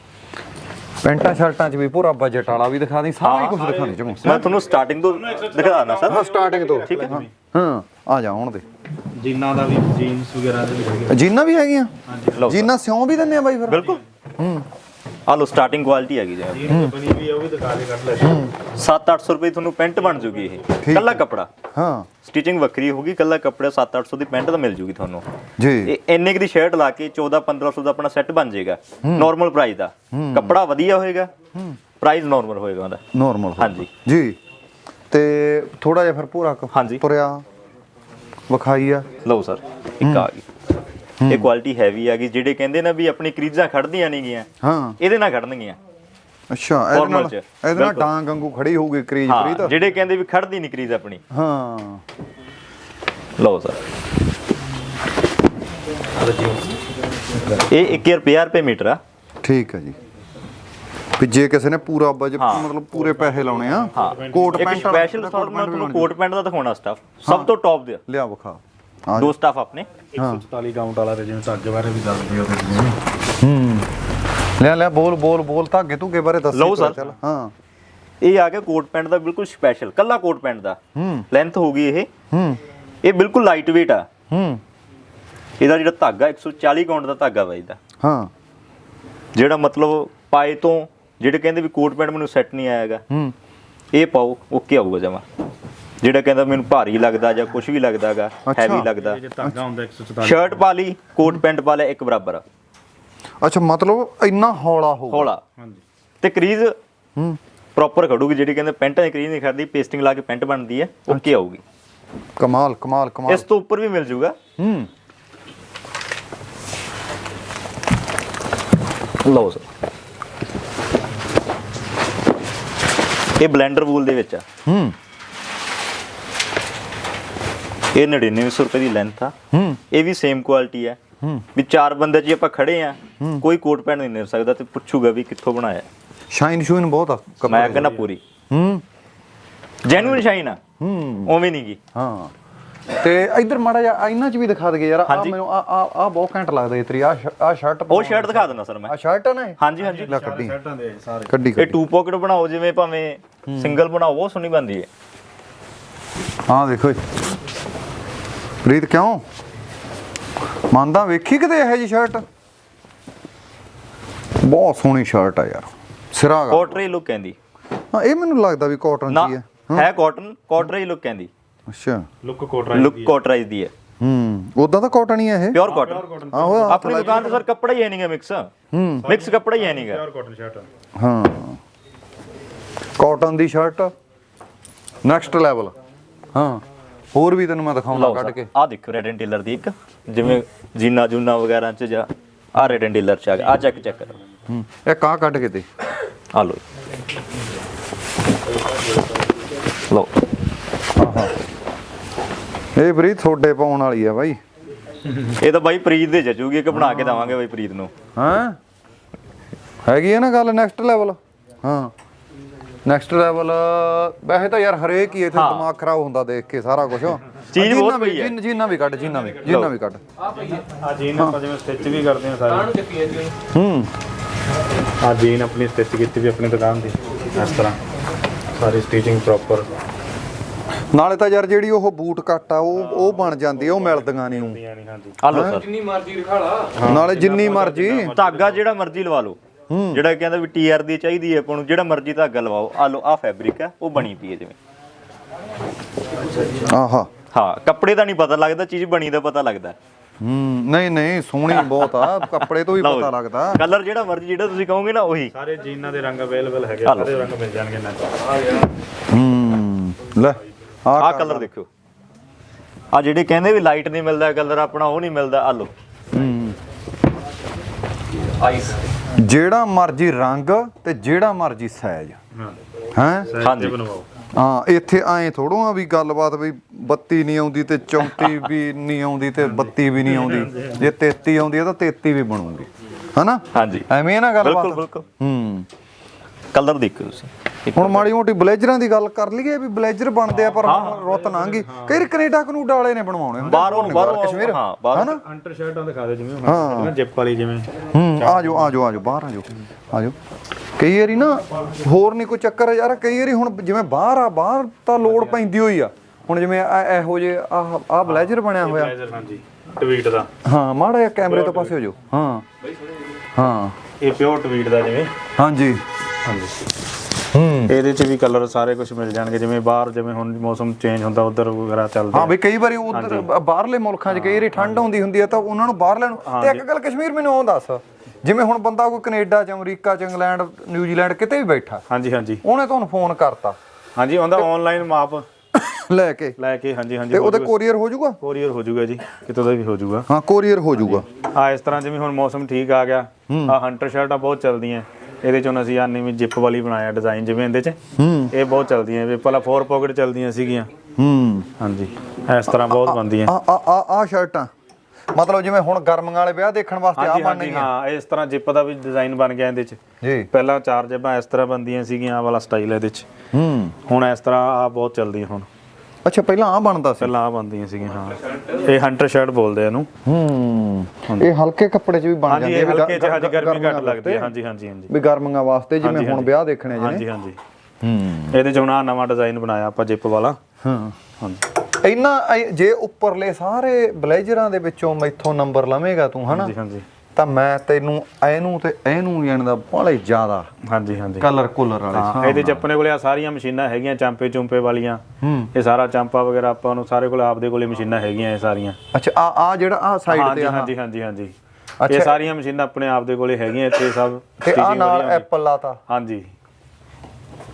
B: ਪੈਂਟਾਂ ਸ਼ਰਟਾਂ 'ਚ ਵੀ ਪੂਰਾ ਬਜਟ ਵਾਲਾ ਵੀ ਦਿਖਾ ਦੀ, ਸਾਰਾ ਹੀ ਕੁਝ ਦਿਖਾਣੀ ਚਮੋ।
C: ਮੈਂ ਤੁਹਾਨੂੰ ਸਟਾਰਟਿੰਗ ਤੋਂ ਦਿਖਾ ਦਾਂ ਸਰ।
B: ਹਾਂ ਸਟਾਰਟਿੰਗ ਤੋਂ
C: ਠੀਕ ਹੈ।
B: ਹਾਂ ਆ ਜਾ ਹੁਣ ਦੇ
D: ਜੀਨਾਂ ਦਾ ਵੀ ਜੀਨਸ ਵਗੈਰਾ ਦੇ ਵੀ ਹੈਗੇ।
B: ਜੀਨਾਂ ਵੀ ਹੈਗੀਆਂ?
C: ਲਓ
B: ਜੀਨਾਂ ਸਿਉਂ ਵੀ ਦਿੰਦੇ ਆ ਬਾਈ ਫਿਰ?
C: ਬਿਲਕੁਲ। ਹੂੰ ਆ ਲੋ ਸਟਾਰਟਿੰਗ ਕੁਆਲਿਟੀ ਹੈਗੀ ਜੀ।
D: ਜੀਨ ਬਣੀ ਵੀ ਆ ਉਹ ਵੀ ਦਿਖਾ ਦੇ ਕੱਢ ਲੈ।
C: ਸੱਤ ਅੱਠ ਸੌ ਰੁਪਏ ਤੁਹਾਨੂੰ ਪੈਂਟ ਬਣ ਜੂਗੀ ਇਹ, ਕੱਲਾ ਕੱਪੜਾ।
B: ਹਾਂ
C: ਸਟਿਚਿੰਗ ਵੱਖਰੀ ਹੋਊਗੀ, ਕੱਲਾ ਕੱਪੜਾ ਸੱਤ ਅੱਠ ਸੌ ਦੀ ਪੈਂਟ ਤਾਂ ਮਿਲ ਜੂਗੀ ਤੁਹਾਨੂੰ।
B: ਜੀ
C: ਇਹ ਇੰਨੇ ਕੁ ਦੀ ਸ਼ਰਟ ਲਾ ਕੇ ਚੌਦਾਂ ਪੰਦਰਾਂ ਸੌ ਦਾ ਆਪਣਾ ਸੈੱਟ ਬਣ ਜਾਏਗਾ ਨਾਰਮਲ ਪ੍ਰਾਈਸ ਦਾ। ਕੱਪੜਾ ਵਧੀਆ ਹੋਏਗਾ, ਪ੍ਰਾਈਸ ਨਾਰਮਲ ਹੋਏਗਾ ਉਹਦਾ।
B: ਨਾਰਮਲ
C: ਹਾਂਜੀ
B: ਜੀ। ਤੇ ਥੋੜਾ ਜਿਹਾ ਫਿਰ ਪੂਰਾ
C: ਹਾਂਜੀ।
B: ਤੁਰਿਆ ਵਿਖਾਈ ਆ।
C: ਲਓ ਸਰ ਇੱਕ ਆ ਗਈ। ਇਹ ਕੁਆਲਿਟੀ ਹੈਵੀ ਆ ਗਈ। ਜਿਹੜੇ ਕਹਿੰਦੇ ਨਾ ਵੀ ਆਪਣੀ ਕਰੀਜ਼ਾਂ ਖੜਦੀਆਂ ਨਹੀਂ ਗੀਆਂ,
B: ਹਾਂ
C: ਇਹਦੇ ਨਾਲ ਖੜਨਗੀਆਂ।
B: ਅੱਛਾ ਇਹਦੇ ਨਾਲ
C: Formal ਚ।
B: ਇਹਦੇ ਨਾਲ
C: ਬਿਲਕੁਲ।
B: ਡਾਂਗ ਵਾਂਗੂ ਖੜੀ ਹੋਊਗੀ ਕਰੀਜ਼
C: ਹਾਂ
B: ਪ੍ਰੀਤ।
C: ਜਿਹੜੇ ਕਹਿੰਦੇ ਵੀ ਖੜਦੀ ਨਹੀਂ ਕਰੀਜ਼ ਆਪਣੀ।
B: ਹਾਂ
C: ਲਓ ਸਰ ਇਹ ਇੱਕ ਹਜ਼ਾਰ ਪੰਜਾਹ ਰੁਪਏ ਮੀਟਰ ਆ।
B: ਠੀਕ ਹੈ ਜੀ। ਵੀ ਜੇ ਕਿਸੇ ਨੇ ਪੂਰਾ ਬਜਟ
C: ਹਾਂ।
B: ਮਤਲਬ ਪੂਰੇ ਪੈਸੇ ਲਾਉਣੇ ਆ,
C: ਹਾਂ
B: ਕੋਟ
C: ਇੱਕ
B: ਪੈਂਟ
C: ਸਪੈਸ਼ਲ ਸਟਾਫ ਮੈਂ ਤੁਹਾਨੂੰ ਕੋਟ ਪੈਂਟ ਦਾ ਦਿਖਾਉਣਾ ਸਟਾਫ ਸਭ ਤੋਂ ਟੌਪ ਦੇ
B: ਲਿਆ ਵਿਖਾ। ਆ
C: ਦੋ ਸਟਾਫ ਆਪਣੇ।
D: ਇੱਕ ਸੌ ਚੁਤਾਲੀ ਕਾਊਂਟ ਵਾਲਾ ਤੇ ਜਿਵੇਂ ਧਾਗੇ ਬਾਰੇ ਵੀ ਦੱਸ ਦਿਓ ਤੁਸੀਂ।
B: ਹੂੰ ਲਿਆ ਲਿਆ ਬੋਲ ਬੋਲ ਬੋਲ ਧਾਗੇ ਧੁਗੇ ਬਾਰੇ ਦੱਸ।
C: ਲਓ ਸਰ।
B: ਚੱਲ ਹਾਂ
C: ਇਹ ਆ ਗਿਆ ਕੋਟ ਪੈਂਟ ਦਾ ਬਿਲਕੁਲ ਸਪੈਸ਼ਲ, ਕੱਲਾ ਕੋਟ ਪੈਂਟ ਦਾ।
B: ਹੂੰ
C: ਲੈਂਥ ਹੋਗੀ ਇਹ।
B: ਹੂੰ
C: ਇਹ ਬਿਲਕੁਲ ਲਾਈਟ weight ਆ।
B: ਹੂੰ
C: ਇਹਦਾ ਜਿਹੜਾ ਧਾਗਾ ਇੱਕ ਸੌ ਚਾਲੀ ਕਾਊਂਟ ਦਾ ਧਾਗਾ ਵਾ ਇਹਦਾ।
B: ਹਾਂ
C: ਜਿਹੜਾ ਮਤਲਬ ਪਾਏ ਤੋਂ ਜਿਹੜੇ ਕਹਿੰਦੇ ਵੀ ਕੋਟ ਪੈਂਟ ਮੈਨੂੰ ਸੈੱਟ ਨਹੀਂ ਆਏਗਾ,
B: ਹੂੰ
C: ਇਹ ਪਾਓ ਓਕੇ ਆਊਗਾ ਜਮਾ। ਜਿਹੜਾ ਕਹਿੰਦਾ ਮੈਨੂੰ ਭਾਰੀ ਲੱਗਦਾ ਜਾਂ ਕੁਝ ਵੀ ਲੱਗਦਾਗਾ, ਹੈਵੀ ਲੱਗਦਾ,
D: ਇਹ ਜੇ ਧਾਗਾ ਹੁੰਦਾ ਇੱਕ ਸੌ ਚੁਤਾਲੀ
C: ਸ਼ਰਟ ਪਾ ਲਈ ਕੋਟ ਪੈਂਟ ਪਾ ਲਿਆ ਇੱਕ ਬਰਾਬਰ ਆ।
B: ਅੱਛਾ ਮਤਲਬ ਇੰਨਾ ਹੌਲਾ ਹੋਊ?
C: ਹੌਲਾ।
D: ਹਾਂਜੀ।
C: ਤੇ ਕਰੀਜ਼
B: ਹੂੰ
C: ਪ੍ਰੋਪਰ ਖੜੂਗੀ, ਜਿਹੜੀ ਕਹਿੰਦੇ ਪੈਂਟਾਂ ਦੀ ਕਰੀਜ਼ ਨਹੀਂ ਖੜਦੀ, ਪੇਸਟਿੰਗ ਲਾ ਕੇ ਪੈਂਟ ਬਣਦੀ ਹੈ, ਓਕੇ ਆਊਗੀ।
B: ਕਮਾਲ ਕਮਾਲ ਕਮਾਲ।
C: ਇਸ ਤੋਂ ਉੱਪਰ ਵੀ ਮਿਲ ਜੂਗਾ।
B: ਹੂੰ
C: ਲਓ ਸਰ, ਇਹ ਬਲੈਂਡਰ ਵੂਲ ਦੇ ਵਿੱਚ ਆ।
B: ਹੂੰ
C: ਇਹ ਨੜਿਨਵੇਂ ਸੌ ਰੁਪਏ ਦੀ ਲੈਂਥ ਆ।
B: ਹੂੰ
C: ਇਹ ਵੀ ਸੇਮ ਕੁਆਲਿਟੀ ਹੈ।
B: ਹੂੰ
C: ਵੀ ਚਾਰ ਬੰਦੇ ਜੀ ਆਪਾਂ ਖੜੇ ਆ, ਕੋਈ ਕੋਟ ਪੈਂਟ ਨਹੀਂ ਮਿਲ ਸਕਦਾ ਤੇ ਪੁੱਛੂਗਾ ਵੀ ਕਿੱਥੋਂ ਬਣਾਇਆ।
B: ਸ਼ਾਈਨ ਸ਼ੂਨ ਬਹੁਤ ਆ
C: ਮੈਂ ਕਹਿੰਦਾ ਪੂਰੀ
B: ਹੂੰ
C: ਜੈਨੂਇਨ ਸ਼ਾਈਨ ਆ,
B: ਹੂੰ
C: ਉਵੇਂ ਨਹੀਂ ਗੀ।
B: ਹਾਂ ਤੇ ਇੱਧਰ ਮਾੜਾ ਜਿਹਾ ਇਹਨਾਂ 'ਚ ਵੀ ਦਿਖਾ ਦਗੇ ਯਾਰ। ਆ
C: ਹਾਂਜੀ।
B: ਮੈਨੂੰ ਆ ਆ ਆ ਬਹੁਤ ਘੈਂਟ ਲੱਗਦਾ ਇਹ ਤੇਰੀ ਆ ਆ ਸ਼ਰਟ।
C: ਉਹ ਸ਼ਰਟ ਦਿਖਾ ਦਿੰਦਾ ਸਰ ਮੈਂ।
B: ਆ ਸ਼ਰਟ ਆ ਨਾ ਇਹ?
C: ਹਾਂਜੀ ਹਾਂਜੀ,
B: ਲੈ ਕੱਢੀ
D: ਸ਼ਰਟਾਂ ਦੇ ਸਾਰੇ
B: ਕੱਢੀ
C: ਇਹ
B: ਕੱਢੀ।
C: ਟੂ ਪਾਕਟ ਬਣਾਓ, ਜਿਵੇਂ ਭਾਵੇਂ ਸਿੰਗਲ ਬਣਾਓ, ਬਹੁਤ ਸੋਹਣੀ ਬਣਦੀ ਹੈ।
B: ਹਾਂ ਦੇਖੋ ਪ੍ਰੀਤ, ਕਿਉਂ ਮੰਨਦਾ? ਵੇਖੀ ਕਿਤੇ ਇਹੋ ਜੀ ਸ਼ਰਟ, ਬਹੁਤ ਸੋਹਣੀ ਸ਼ਰਟ ਆ ਯਾਰ, ਸਿਰਾ ਗਾ।
C: ਕੋਟਰੀ ਲੁੱਕ ਕਹਿੰਦੀ
B: ਹਾਂ ਇਹ ਮੈਨੂੰ ਲੱਗਦਾ ਵੀ ਕਾਟਨ
C: ਨਾ,
B: ਚ ਹੀ ਹੈ।
C: ਹੈ ਕਾਟਨ, ਕੋਟਰੀ ਲੁੱਕ ਕਹਿੰਦੀ।
B: ਅੱਛਾ
D: ਲੁੱਕ ਕੋਟ ਰਾਈ
C: ਲੁੱਕ ਕੋਟਰਾਈਜ਼ ਦੀ ਹੈ,
B: ਹੂੰ ਉਦਾਂ ਤਾਂ ਕਾਟਨ ਹੀ ਹੈ ਇਹ।
C: Pure cotton.
B: ਆਹੋ
C: ਆਪਣੀ ਦੁਕਾਨ ਤੇ ਸਰ ਕੱਪੜਾ ਹੀ ਹੈ ਨਹੀਂਗਾ ਮਿਕਸ।
B: ਹੂੰ
C: ਮਿਕਸ ਕੱਪੜਾ ਹੀ ਹੈ ਨਹੀਂਗਾ।
D: Pure cotton shirt.
B: ਹਾਂ ਕਾਟਨ ਦੀ ਸ਼ਰਟ ਨੈਕਸਟ ਲੈਵਲ। ਹਾਂ ਹੋਰ ਵੀ ਤੈਨੂੰ ਮੈਂ ਦਿਖਾਉਣਾ ਕੱਢ ਕੇ।
C: ਆ ਦੇਖੋ ਰੈਡ ਐਂਡ ਟੇਲਰ ਦੀ ਇੱਕ, ਜਿਵੇਂ ਜੀਨਾ ਜੂਨਾ ਵਗੈਰਾ ਚ ਜਾਂ ਆ ਰੈਡ ਐਂਡ ਟੇਲਰ ਚ ਆ ਗਿਆ। ਆ ਚੈੱਕ ਚੈੱਕ ਕਰੋ।
B: ਹੂੰ ਇਹ ਕਾ ਕੱਢ ਕੇ ਤੇ
C: ਆ ਲੋ ਲੋ।
B: ਇਹ ਬਰੀ ਤੁਹਾਡੇ ਪਾਉਣ ਵਾਲੀ ਆ ਬਾਈ।
C: ਇਹ ਤਾਂ ਬਾਈ ਪ੍ਰੀਤ ਦੇ ਜਜੂਗੀ ਕਿ ਬਣਾ ਕੇ ਦਵਾਂਗੇ ਬਾਈ ਪ੍ਰੀਤ ਨੂੰ।
B: ਹਾਂ ਹੈਗੀ ਹੈ ਨਾ ਗੱਲ ਨੈਕਸਟ ਲੈਵਲ। ਹਾਂ ਨੈਕਸਟ ਲੈਵਲ। ਵੈਸੇ ਤਾਂ ਯਾਰ ਹਰੇਕ ਹੀ ਇੱਥੇ ਦਿਮਾਗ ਖਰਾਬ ਹੁੰਦਾ ਦੇਖ ਕੇ ਸਾਰਾ ਕੁਝ।
C: ਚੀਜ਼ ਬਹੁਤ ਪਈ ਹੈ।
B: ਜੀਨਾ ਵੀ ਕੱਢ, ਜੀਨਾ ਵੀ ਜੀਨਾ ਵੀ ਕੱਢ।
D: ਆ ਜੀਨ ਆਪਾਂ ਜਿਵੇਂ ਸਟਿਚ ਵੀ ਕਰਦੇ ਹਾਂ ਸਾਰੇ।
B: ਹੂੰ
D: ਆ ਜੀਨ ਆਪਣੀ ਸਟਿਚ ਕੀਤੀ ਵੀ ਆਪਣੀ ਦੁਕਾਨ ਦੀ ਇਸ ਤਰ੍ਹਾਂ ਸਾਰੀ ਸਟਿਚਿੰਗ ਪ੍ਰੋਪਰ।
B: ਨਾਲੇ ਤਾਂ ਯਾਰ ਜਿਹੜੀ ਉਹ ਬੂਟ ਕੱਟ ਆ ਉਹ ਉਹ ਬਣ ਜਾਂਦੀ ਆ, ਉਹ ਮਿਲਦੀਆਂ ਨਹੀਂ ਉਹ।
D: ਹਾਂਜੀ
C: ਆ ਲੋ ਸਰ,
B: ਨਾਲੇ ਜਿੰਨੀ ਮਰਜ਼ੀ
C: ਧਾਗਾ ਜਿਹੜਾ ਮਰਜ਼ੀ ਲਵਾ ਲਓ। ਜਿਹੜਾ ਕਹਿੰਦਾ ਵੀ ਟੀ ਆਰ ਦੀ ਚਾਹੀਦੀ ਹੈ ਆਪਾਂ ਨੂੰ, ਜਿਹੜਾ ਮਰਜ਼ੀ ਧਾਗਾ ਲਵਾਓ। ਆ ਲੋ, ਆ ਫੈਬਰਿਕ ਹੈ, ਉਹ ਬਣੀ ਪਈ ਹੈ ਜਿਵੇਂ।
B: ਆਹਾ
C: ਹਾਂ ਕੱਪੜੇ ਦਾ ਨਹੀਂ ਪਤਾ ਲੱਗਦਾ, ਚੀਜ਼ ਬਣੀ ਦਾ ਪਤਾ ਲੱਗਦਾ।
B: ਹੂੰ ਨਹੀਂ ਨਹੀਂ ਸੋਹਣੀ ਬਹੁਤ ਆ, ਕੱਪੜੇ ਤੋਂ ਵੀ ਪਤਾ ਲੱਗਦਾ।
C: ਕਲਰ ਜਿਹੜਾ ਮਰਜ਼ੀ ਜਿਹੜਾ ਤੁਸੀਂ ਕਹੋਗੇ ਨਾ ਉਹੀ।
D: ਸਾਰੇ ਜੀਨਾਂ ਦੇ ਰੰਗ ਅਵੇਲੇਬਲ ਹੈਗੇ, ਸਾਰੇ ਰੰਗ ਮਿਲ ਜਾਣਗੇ ਇਹਨਾਂ ਚ।
B: ਹੂੰ ਲੈ
C: ਆਹ ਕਲਰ ਦੇਖਿਓ। ਆ ਜਿਹੜੇ ਕਹਿੰਦੇ ਵੀ ਲਾਈਟ ਨਹੀਂ ਮਿਲਦਾ ਕਲਰ ਆਪਣਾ, ਉਹ ਨਹੀਂ ਮਿਲਦਾ। ਆ ਲੋ ਆਈਸ,
B: ਜਿਹੜਾ ਮਰਜ਼ੀ ਰੰਗ ਤੇ ਜਿਹੜਾ ਮਰਜ਼ੀ ਸਾਈਜ਼।
D: ਹਾਂ
B: ਹੈ
C: ਹਾਂਜੀ
D: ਬਣਵਾਓ।
B: ਹਾਂ ਇੱਥੇ ਐਂ ਥੋੜੋ ਆ ਵੀ ਗੱਲਬਾਤ ਵੀ ਬੱਤੀ ਨਹੀਂ ਆਉਂਦੀ ਤੇ ਚੌਂਤੀ ਵੀ ਨਹੀਂ ਆਉਂਦੀ ਤੇ ਬੱਤੀ ਵੀ ਨਹੀਂ ਆਉਂਦੀ। ਜੇ ਤੇਤੀ ਆਉਂਦੀ ਆ ਤਾਂ ਤੇਤੀ ਵੀ ਬਣੂਗੀ, ਹਨਾ?
C: ਹਾਂਜੀ
B: ਐਵੇਂ ਨਾ ਗੱਲਬਾਤ।
C: ਬਿਲਕੁਲ ਬਿਲਕੁਲ।
B: ਹੂੰ
C: ਕਲਰ ਦੇਖੋ ਤੁਸੀਂ।
B: ਹੁਣ ਮਾੜੀ ਮੋਟੀ ਬਲੇਜ਼ਰਾਂ ਦੀ ਗੱਲ ਕਰ ਲਈਏ ਵੀ ਬਲੇਜ਼ਰ ਬਣਦੇ ਆ, ਪਰ ਹੁਣ ਰੁੱਤ ਲੰਘ ਗਈ। ਕਈ ਕੈਨੇਡਾ ਕਨੂਡਾ ਵਾਲੇ ਨੇ ਬਣਵਾਉਣੇ ਹੁੰਦੇ
C: ਬਾਹਰੋਂ ਬਾਹਰੋਂ
B: ਕਸ਼ਮੀਰ।
C: ਹਾਂ ਬਾਹਰੋਂ
B: ਹਨਾ?
D: ਅੰਟਰ ਸ਼ਰਟਾਂ ਦਿਖਾ ਦਿਓ ਜਿਵੇਂ ਹੁਣ ਜਿਪ ਵਾਲੀ ਜਿਵੇਂ।
B: ਹੂੰ ਆ ਜਾਓ ਆ ਜਾਓ ਆ ਜਾਓ ਬਾਹਰ ਆ ਜਾਓ ਆ ਜਾਓ। ਕਈ ਵਾਰੀ ਨਾ ਹੋਰ ਨਹੀਂ ਕੋਈ ਚੱਕਰ ਯਾਰ। ਕਈ ਵਾਰੀ ਹੁਣ ਜਿਵੇਂ ਬਾਹਰ ਆ, ਬਾਹਰ ਤਾਂ ਲੋੜ ਪੈਂਦੀ ਹੋਈ ਆ। ਹੁਣ ਜਿਵੇਂ ਇਹੋ ਜਿਹੇ ਆਹ ਆਹ ਬਲੇਜ਼ਰ ਬਣਿਆ ਹੋਇਆ।
D: ਬਲੇਜ਼ਰ ਹਾਂਜੀ ਟਵੀਟ ਦਾ।
B: ਹਾਂ ਮਾੜਾ ਜਿਹਾ ਕੈਮਰੇ ਤੋਂ ਪਾਸੇ ਹੋ ਜਾਓ। ਹਾਂ ਹਾਂ
D: ਇਹ ਪਿਓਰ ਟਵੀਟ ਦਾ ਜਿਵੇਂ।
B: ਹਾਂਜੀ
D: ਹਾਂਜੀ
B: ਹੂੰ
D: ਇਹਦੇ ਚ ਵੀ ਕਲਰ ਸਾਰੇ ਕੁਝ ਮਿਲ ਜਾਣਗੇ। ਜਿਵੇਂ ਬਾਹਰ ਜਿਵੇਂ ਹੁਣ ਮੌਸਮ ਚੇਂਜ ਹੁੰਦਾ ਉਧਰ ਵਗੈਰਾ ਚੱਲਦਾ।
B: ਹਾਂ ਵੀ ਕਈ ਵਾਰੀ ਉਧਰ ਬਾਹਰਲੇ ਮੁਲਕਾਂ 'ਚ ਕਈ ਵਾਰੀ ਠੰਡ ਆਉਂਦੀ ਹੁੰਦੀ ਆ ਤਾਂ ਉਹਨਾਂ ਨੂੰ ਬਾਹਰ ਲੈਣ। ਤੇ ਇੱਕ ਗੱਲ ਕਸ਼ਮੀਰ ਮੈਨੂੰ ਉਹ ਦੱਸ, ਜਿਵੇਂ ਹੁਣ ਬੰਦਾ ਕੋਈ ਕੈਨੇਡਾ 'ਚ, ਅਮਰੀਕਾ 'ਚ, ਇੰਗਲੈਂਡ, ਨਿਊਜ਼ੀਲੈਂਡ ਕਿਤੇ ਵੀ ਬੈਠਾ,
D: ਹਾਂਜੀ ਹਾਂਜੀ
B: ਉਹਨੇ ਤੁਹਾਨੂੰ ਫੋਨ ਕਰਤਾ
D: ਹਾਂਜੀ ਉਹਦਾ ਆਨਲਾਈਨ ਮਾਪ
B: ਲੈ ਕੇ
D: ਲੈ ਕੇ। ਹਾਂਜੀ ਹਾਂਜੀ
B: ਤੇ ਉਹਦੇ ਕੋਰੀਅਰ ਹੋ ਜਾਊਗਾ।
D: ਕੋਰੀਅਰ ਹੋ ਜਾਊਗਾ ਜੀ, ਕਿਤੋਂ ਦਾ ਵੀ ਹੋ ਜਾਊਗਾ।
B: ਹਾਂ ਕੋਰੀਅਰ ਹੋ ਜਾਊਗਾ।
D: ਆ ਇਸ ਤਰ੍ਹਾਂ ਜਿਵੇਂ ਹੁਣ ਮੌਸਮ ਠੀਕ ਆ ਗਿਆ, ਆ ਹੰਟਰ ਸ਼ਰਟਾਂ ਬਹੁਤ ਚੱਲਦੀਆਂ। ਇਹਦੇ ਚੋਂ ਅਸੀਂ ਆ ਨਵੀਂ ਜਿਪ ਵਾਲੀ ਬਣਾਇਆ ਡਿਜ਼ਾਈਨ ਜਿਵੇਂ ਇਹਦੇ ਚ।
B: ਹੂੰ
D: ਇਹ ਬਹੁਤ ਚੱਲਦੀਆਂ ਵੀ ਪਹਿਲਾਂ ਫੋਰ ਪਾਕਟ ਚੱਲਦੀਆਂ ਸੀਗੀਆਂ।
B: ਹੂੰ
D: ਹਾਂਜੀ ਇਸ ਤਰ੍ਹਾਂ ਬਹੁਤ ਬਣਦੀਆਂ।
B: ਆ ਆ ਆ ਆ ਸ਼ਰਟਾਂ ਮਤਲਬ ਜਿਵੇਂ ਹੁਣ ਗਰਮੀਆਂ ਵਾਲੇ ਵਿਆਹ ਦੇਖਣ ਵਾਸਤੇ ਆ
D: ਹਾਂਜੀ
B: ਬਣਨੀ
D: ਹਾਂਜੀ
B: ਆ।
D: ਹਾਂ ਇਸ ਤਰ੍ਹਾਂ ਜਿਪ ਦਾ ਵੀ ਡਿਜ਼ਾਈਨ ਬਣ ਗਿਆ ਇਹਦੇ ਚ।
B: ਜੀ
D: ਪਹਿਲਾਂ ਚਾਰ ਜਿਪਾਂ ਇਸ ਤਰ੍ਹਾਂ ਬਣਦੀਆਂ ਸੀਗੀਆਂ, ਆ ਵਾਲਾ ਸਟਾਈਲ ਇਹਦੇ ਚ।
B: ਹੂੰ
D: ਹੁਣ ਇਸ ਤਰ੍ਹਾਂ ਆ ਬਹੁਤ ਚੱਲਦੀਆਂ ਹੁਣ।
B: ਅੱਛਾ ਪਹਿਲਾਂ ਆ ਬਣਦਾ ਸੀ।
D: ਪਹਿਲਾਂ ਆ ਬਣਦੀਆਂ ਸੀਗੀਆਂ ਹਾਂ। ਇਹ ਹੰਟਰ ਸ਼ਰਟ ਬੋਲਦੇ ਆ ਇਹਨੂੰ।
B: ਹੂੰ ਇਹ ਹਲਕੇ ਕੱਪੜੇ 'ਚ ਵੀ ਬਣ
D: ਹਾਂਜੀ
B: ਜਾਂਦੇ
D: ਇਹ
B: ਆ।
D: ਹਲਕੇ ਚ ਹਾਂਜੀ ਗਰਮੀ ਘੱਟ ਲੱਗਦੀ ਹੈ। ਹਾਂਜੀ ਹਾਂਜੀ ਹਾਂਜੀ
B: ਵੀ ਗਰਮੀਆਂ ਵਾਸਤੇ ਜਿਵੇਂ ਹੁਣ ਵਿਆਹ ਦੇਖਣੇ ਜਿਹਨੇ।
D: ਹਾਂਜੀ ਹਾਂਜੀ
B: ਹੂੰ
D: ਇਹਦੇ ਚ ਹੁਣ ਆ ਨਵਾਂ ਡਿਜ਼ਾਈਨ ਬਣਾਇਆ ਆਪਾਂ ਜਿਪ ਵਾਲਾ।
B: ਹਾਂ
D: ਹਾਂਜੀ
B: ਇੰਨਾ ਜੇ ਉੱਪਰਲੇ ਸਾਰੇ ਬਲੇਜ਼ਰਾਂ ਦੇ ਵਿੱਚੋਂ ਮੈਥੋਂ ਨੰਬਰ ਲਵੇਂਗਾ ਤੂੰ, ਹਨਾ?
D: ਹਾਂਜੀ ਹਾਂਜੀ
B: ਤਾਂ ਮੈਂ ਤੈਨੂੰ ਇਹਨੂੰ ਤੇ ਇਹਨੂੰ ਜਾਣਦਾ ਬਾਲੇ ਜ਼ਿਆਦਾ
D: ਹਾਂਜੀ ਹਾਂਜੀ
B: ਕਲਰ ਕੁਲਰ ਵਾਲੇ।
D: ਹਾਂ ਇਹਦੇ ਚ ਆਪਣੇ ਕੋਲੇ ਆ ਸਾਰੀਆਂ ਮਸ਼ੀਨਾਂ ਹੈਗੀਆਂ ਚਾਂਪੇ ਚੁੰਪੇ ਵਾਲੀਆਂ।
B: ਹੂੰ
D: ਇਹ ਸਾਰਾ ਚਾਂਪਾ ਵਗੈਰਾ ਆਪਾਂ ਨੂੰ ਸਾਰੇ ਕੋਲ ਆਪਦੇ ਕੋਲੇ ਮਸ਼ੀਨਾਂ ਹੈਗੀਆਂ ਇਹ ਸਾਰੀਆਂ।
B: ਅੱਛਾ ਆ ਆ ਜਿਹੜਾ ਆ ਸਾਈਡ
D: ਹਾਂਜੀ
B: ਤੇ ਆ
D: ਹਾਂਜੀ ਹਾਂਜੀ ਹਾਂਜੀ ਇਹ ਸਾਰੀਆਂ ਮਸ਼ੀਨਾਂ ਆਪਣੇ ਆਪਦੇ ਕੋਲੇ ਹੈਗੀਆਂ ਇੱਥੇ ਸਭ।
B: ਤੇ ਆ
D: stitching
B: ਨਾਲ
D: ਵਧੀਆ ਹੁੰਦੀ।
B: ਐਪਲ ਲਾਤਾ।
D: ਹਾਂਜੀ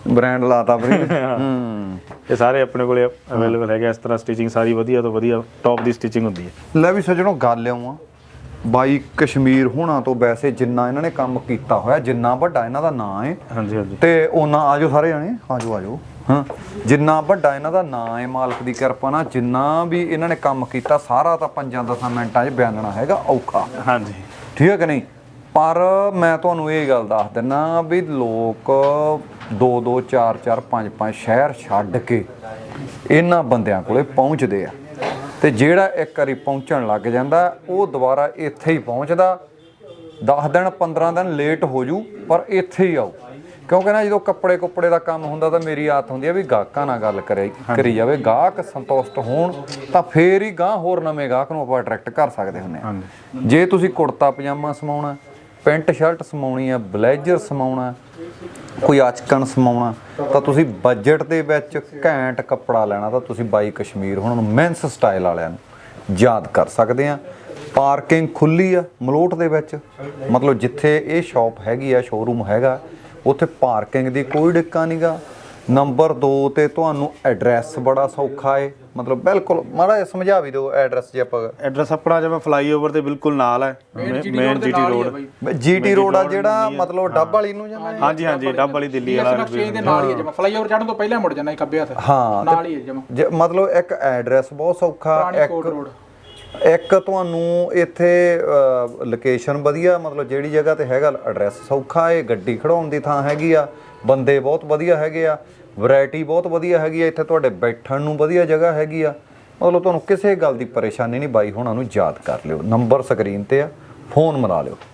B: ਬ੍ਰਾਂਡ ਲਾਤਾ ਵੀਰੇ ਹੂੰ
D: ਇਹ ਸਾਰੇ ਆਪਣੇ ਕੋਲੇ ਅਵੇਲੇਬਲ ਹੈਗੇ ਇਸ ਤਰ੍ਹਾਂ ਸਟਿਚਿੰਗ ਸਾਰੀ ਵਧੀਆ ਤੋਂ ਵਧੀਆ ਟੌਪ ਦੀ ਸਟਿਚਿੰਗ ਹੁੰਦੀ ਹੈ।
B: ਲੈ ਵੀ ਸੱਜਣੋ ਗੱਲ ਆਉਂ ਬਾਈ ਕਸ਼ਮੀਰ ਹੋਣਾ ਤੋਂ ਵੈਸੇ ਜਿੰਨਾ ਇਹਨਾਂ ਨੇ ਕੰਮ ਕੀਤਾ ਹੋਇਆ, ਜਿੰਨਾ ਵੱਡਾ ਇਹਨਾਂ ਦਾ ਨਾਂ ਹੈ
D: ਹਾਂਜੀ ਹਾਂਜੀ
B: ਤੇ ਉਹਨਾਂ ਆਜੋ ਸਾਰੇ ਜਾਣੇ ਆਜੋ ਆਜੋ ਹਾਂ, ਜਿੰਨਾ ਵੱਡਾ ਇਹਨਾਂ ਦਾ ਨਾਂ ਹੈ ਮਾਲਕ ਦੀ ਕਿਰਪਾ ਨਾਲ, ਜਿੰਨਾ ਵੀ ਇਹਨਾਂ ਨੇ ਕੰਮ ਕੀਤਾ ਸਾਰਾ ਤਾਂ ਪੰਜਾਂ ਦਸਾਂ ਮਿੰਟਾਂ 'ਚ ਬਿਆਨਣਾ ਹੈਗਾ ਔਖਾ।
D: ਹਾਂਜੀ
B: ਠੀਕ ਹੈ ਕਿ ਨਹੀਂ? ਪਰ ਮੈਂ ਤੁਹਾਨੂੰ ਇਹ ਗੱਲ ਦੱਸ ਦਿੰਦਾ ਵੀ ਲੋਕ ਦੋ ਦੋ ਚਾਰ ਚਾਰ ਪੰਜ ਪੰਜ ਸ਼ਹਿਰ ਛੱਡ ਕੇ ਇਹਨਾਂ ਬੰਦਿਆਂ ਕੋਲੇ ਪਹੁੰਚਦੇ ਆ, ਤੇ ਜਿਹੜਾ ਇੱਕ ਵਾਰੀ ਪਹੁੰਚਣ ਲੱਗ ਜਾਂਦਾ ਉਹ ਦੁਬਾਰਾ ਇੱਥੇ ਹੀ ਪਹੁੰਚਦਾ। ਦਸ ਦਿਨ ਪੰਦਰਾਂ ਦਿਨ ਲੇਟ ਹੋ ਜੂ ਪਰ ਇੱਥੇ ਹੀ ਆਓ, ਕਿਉਂਕਿ ਨਾ ਜਦੋਂ ਕੱਪੜੇ ਕੁੱਪੜੇ ਦਾ ਕੰਮ ਹੁੰਦਾ ਤਾਂ ਮੇਰੀ ਆਦਤ ਹੁੰਦੀ ਹੈ ਵੀ ਗਾਹਕਾਂ ਨਾਲ ਗੱਲ ਕਰੇ ਕਰੀ ਜਾਵੇ, ਗਾਹਕ ਸੰਤੁਸ਼ਟ ਹੋਣ ਤਾਂ ਫੇਰ ਹੀ ਗਾਹ ਹੋਰ ਨਵੇਂ ਗਾਹਕ ਨੂੰ ਆਪਾਂ ਅਟਰੈਕਟ ਕਰ ਸਕਦੇ ਹੁੰਦੇ ਹਾਂ। ਜੇ ਤੁਸੀਂ ਕੁੜਤਾ ਪਜਾਮਾ ਸਮਾਉਣਾ, ਪੈਂਟ ਸ਼ਰਟ ਸਮਾਉਣੀ ਆ, ਬਲੇਜ਼ਰ ਸਮਾਉਣਾ, ਕੋਈ ਆਚਕਨ ਸਮਾਉਣਾ, ਤਾਂ ਤੁਸੀਂ ਬਜਟ ਦੇ ਵਿੱਚ ਘੈਂਟ ਕੱਪੜਾ ਲੈਣਾ ਤਾਂ ਤੁਸੀਂ ਬਾਈ ਕਸ਼ਮੀਰ ਹੁਣ ਨੂੰ ਮੈਂਸ ਸਟਾਈਲ ਵਾਲਿਆਂ ਨੂੰ ਯਾਦ ਕਰ ਸਕਦੇ ਆ। ਪਾਰਕਿੰਗ ਖੁੱਲੀ ਆ ਮਲੋਟ ਦੇ ਵਿੱਚ, ਮਤਲਬ ਜਿੱਥੇ ਇਹ ਸ਼ਾਪ ਹੈਗੀ ਆ, ਸ਼ੋਰੂਮ ਹੈਗਾ, ਉੱਥੇ ਪਾਰਕਿੰਗ ਦੀ ਕੋਈ ਡਿੱਕਾ ਨਹੀਂਗਾ। ਨੰਬਰ ਦੋ ਤੇ ਤੁਹਾਨੂੰ ਐਡਰੈਸ ਬੜਾ ਸੌਖਾ ਏ, ਮਤਲਬ ਬਿਲਕੁਲ ਮਾੜਾ ਜਿਹਾ ਸਮਝਾ ਵੀ ਦਿਓ ਐਡਰੈਸ ਜੇ ਆਪਾਂ।
D: ਐਡਰੈਸ ਆਪਣਾ ਜਿਵੇਂ ਫਲਾਈਓਵਰ ਦੇ ਬਿਲਕੁਲ ਨਾਲ ਹੈ, main GT road
B: GT road ਆ ਜਿਹੜਾ ਮਤਲਬ ਡੱਬ ਵਾਲੀ ਨੂੰ ਜਾਂਦਾ।
D: ਹਾਂਜੀ ਹਾਂਜੀ ਡੱਬ ਵਾਲੀ ਦਿੱਲੀ ਵਾਲਾ
E: ਨਕਸ਼ੇ ਦੇ ਨਾਲ ਹੀ ਹੈ ਜਮਾ, ਫਲਾਈਓਵਰ ਚੜਨ ਤੋਂ ਪਹਿਲਾਂ ਮੁੜ ਜਾਂਦਾ ਖੱਬੇ ਹੱਥ
B: ਹਾਂ
E: ਨਾਲ ਹੀ ਹੈ ਜਮਾ।
B: ਜੇ ਮਤਲਬ ਇੱਕ ਐਡਰੈਸ ਬਹੁਤ ਸੌਖਾ, ਇੱਕ ਇੱਕ ਤੁਹਾਨੂੰ ਇੱਥੇ ਲੋਕੇਸ਼ਨ ਵਧੀਆ, ਮਤਲਬ ਜਿਹੜੀ ਜਗ੍ਹਾ ਤੇ ਹੈਗਾ ਐਡਰੈਸ ਸੌਖਾ ਏ, ਗੱਡੀ ਖੜਾਉਣ ਦੀ ਥਾਂ ਹੈਗੀ ਆ, ਬੰਦੇ ਬਹੁਤ ਵਧੀਆ ਹੈਗੇ ਆ, ਵੈਰਾਈਟੀ ਬਹੁਤ ਵਧੀਆ ਹੈਗੀ ਆ, ਇੱਥੇ ਤੁਹਾਡੇ ਬੈਠਣ ਨੂੰ ਵਧੀਆ ਜਗ੍ਹਾ ਹੈਗੀ ਆ, ਮਤਲਬ ਤੁਹਾਨੂੰ ਕਿਸੇ ਗੱਲ ਦੀ ਪਰੇਸ਼ਾਨੀ ਨਹੀਂ। ਬਾਈ ਹੁਣਾਂ ਨੂੰ ਯਾਦ ਕਰ ਲਿਓ, ਨੰਬਰ ਸਕਰੀਨ ਤੇ ਆ, ਫੋਨ ਮਿਲਾ ਲਿਓ।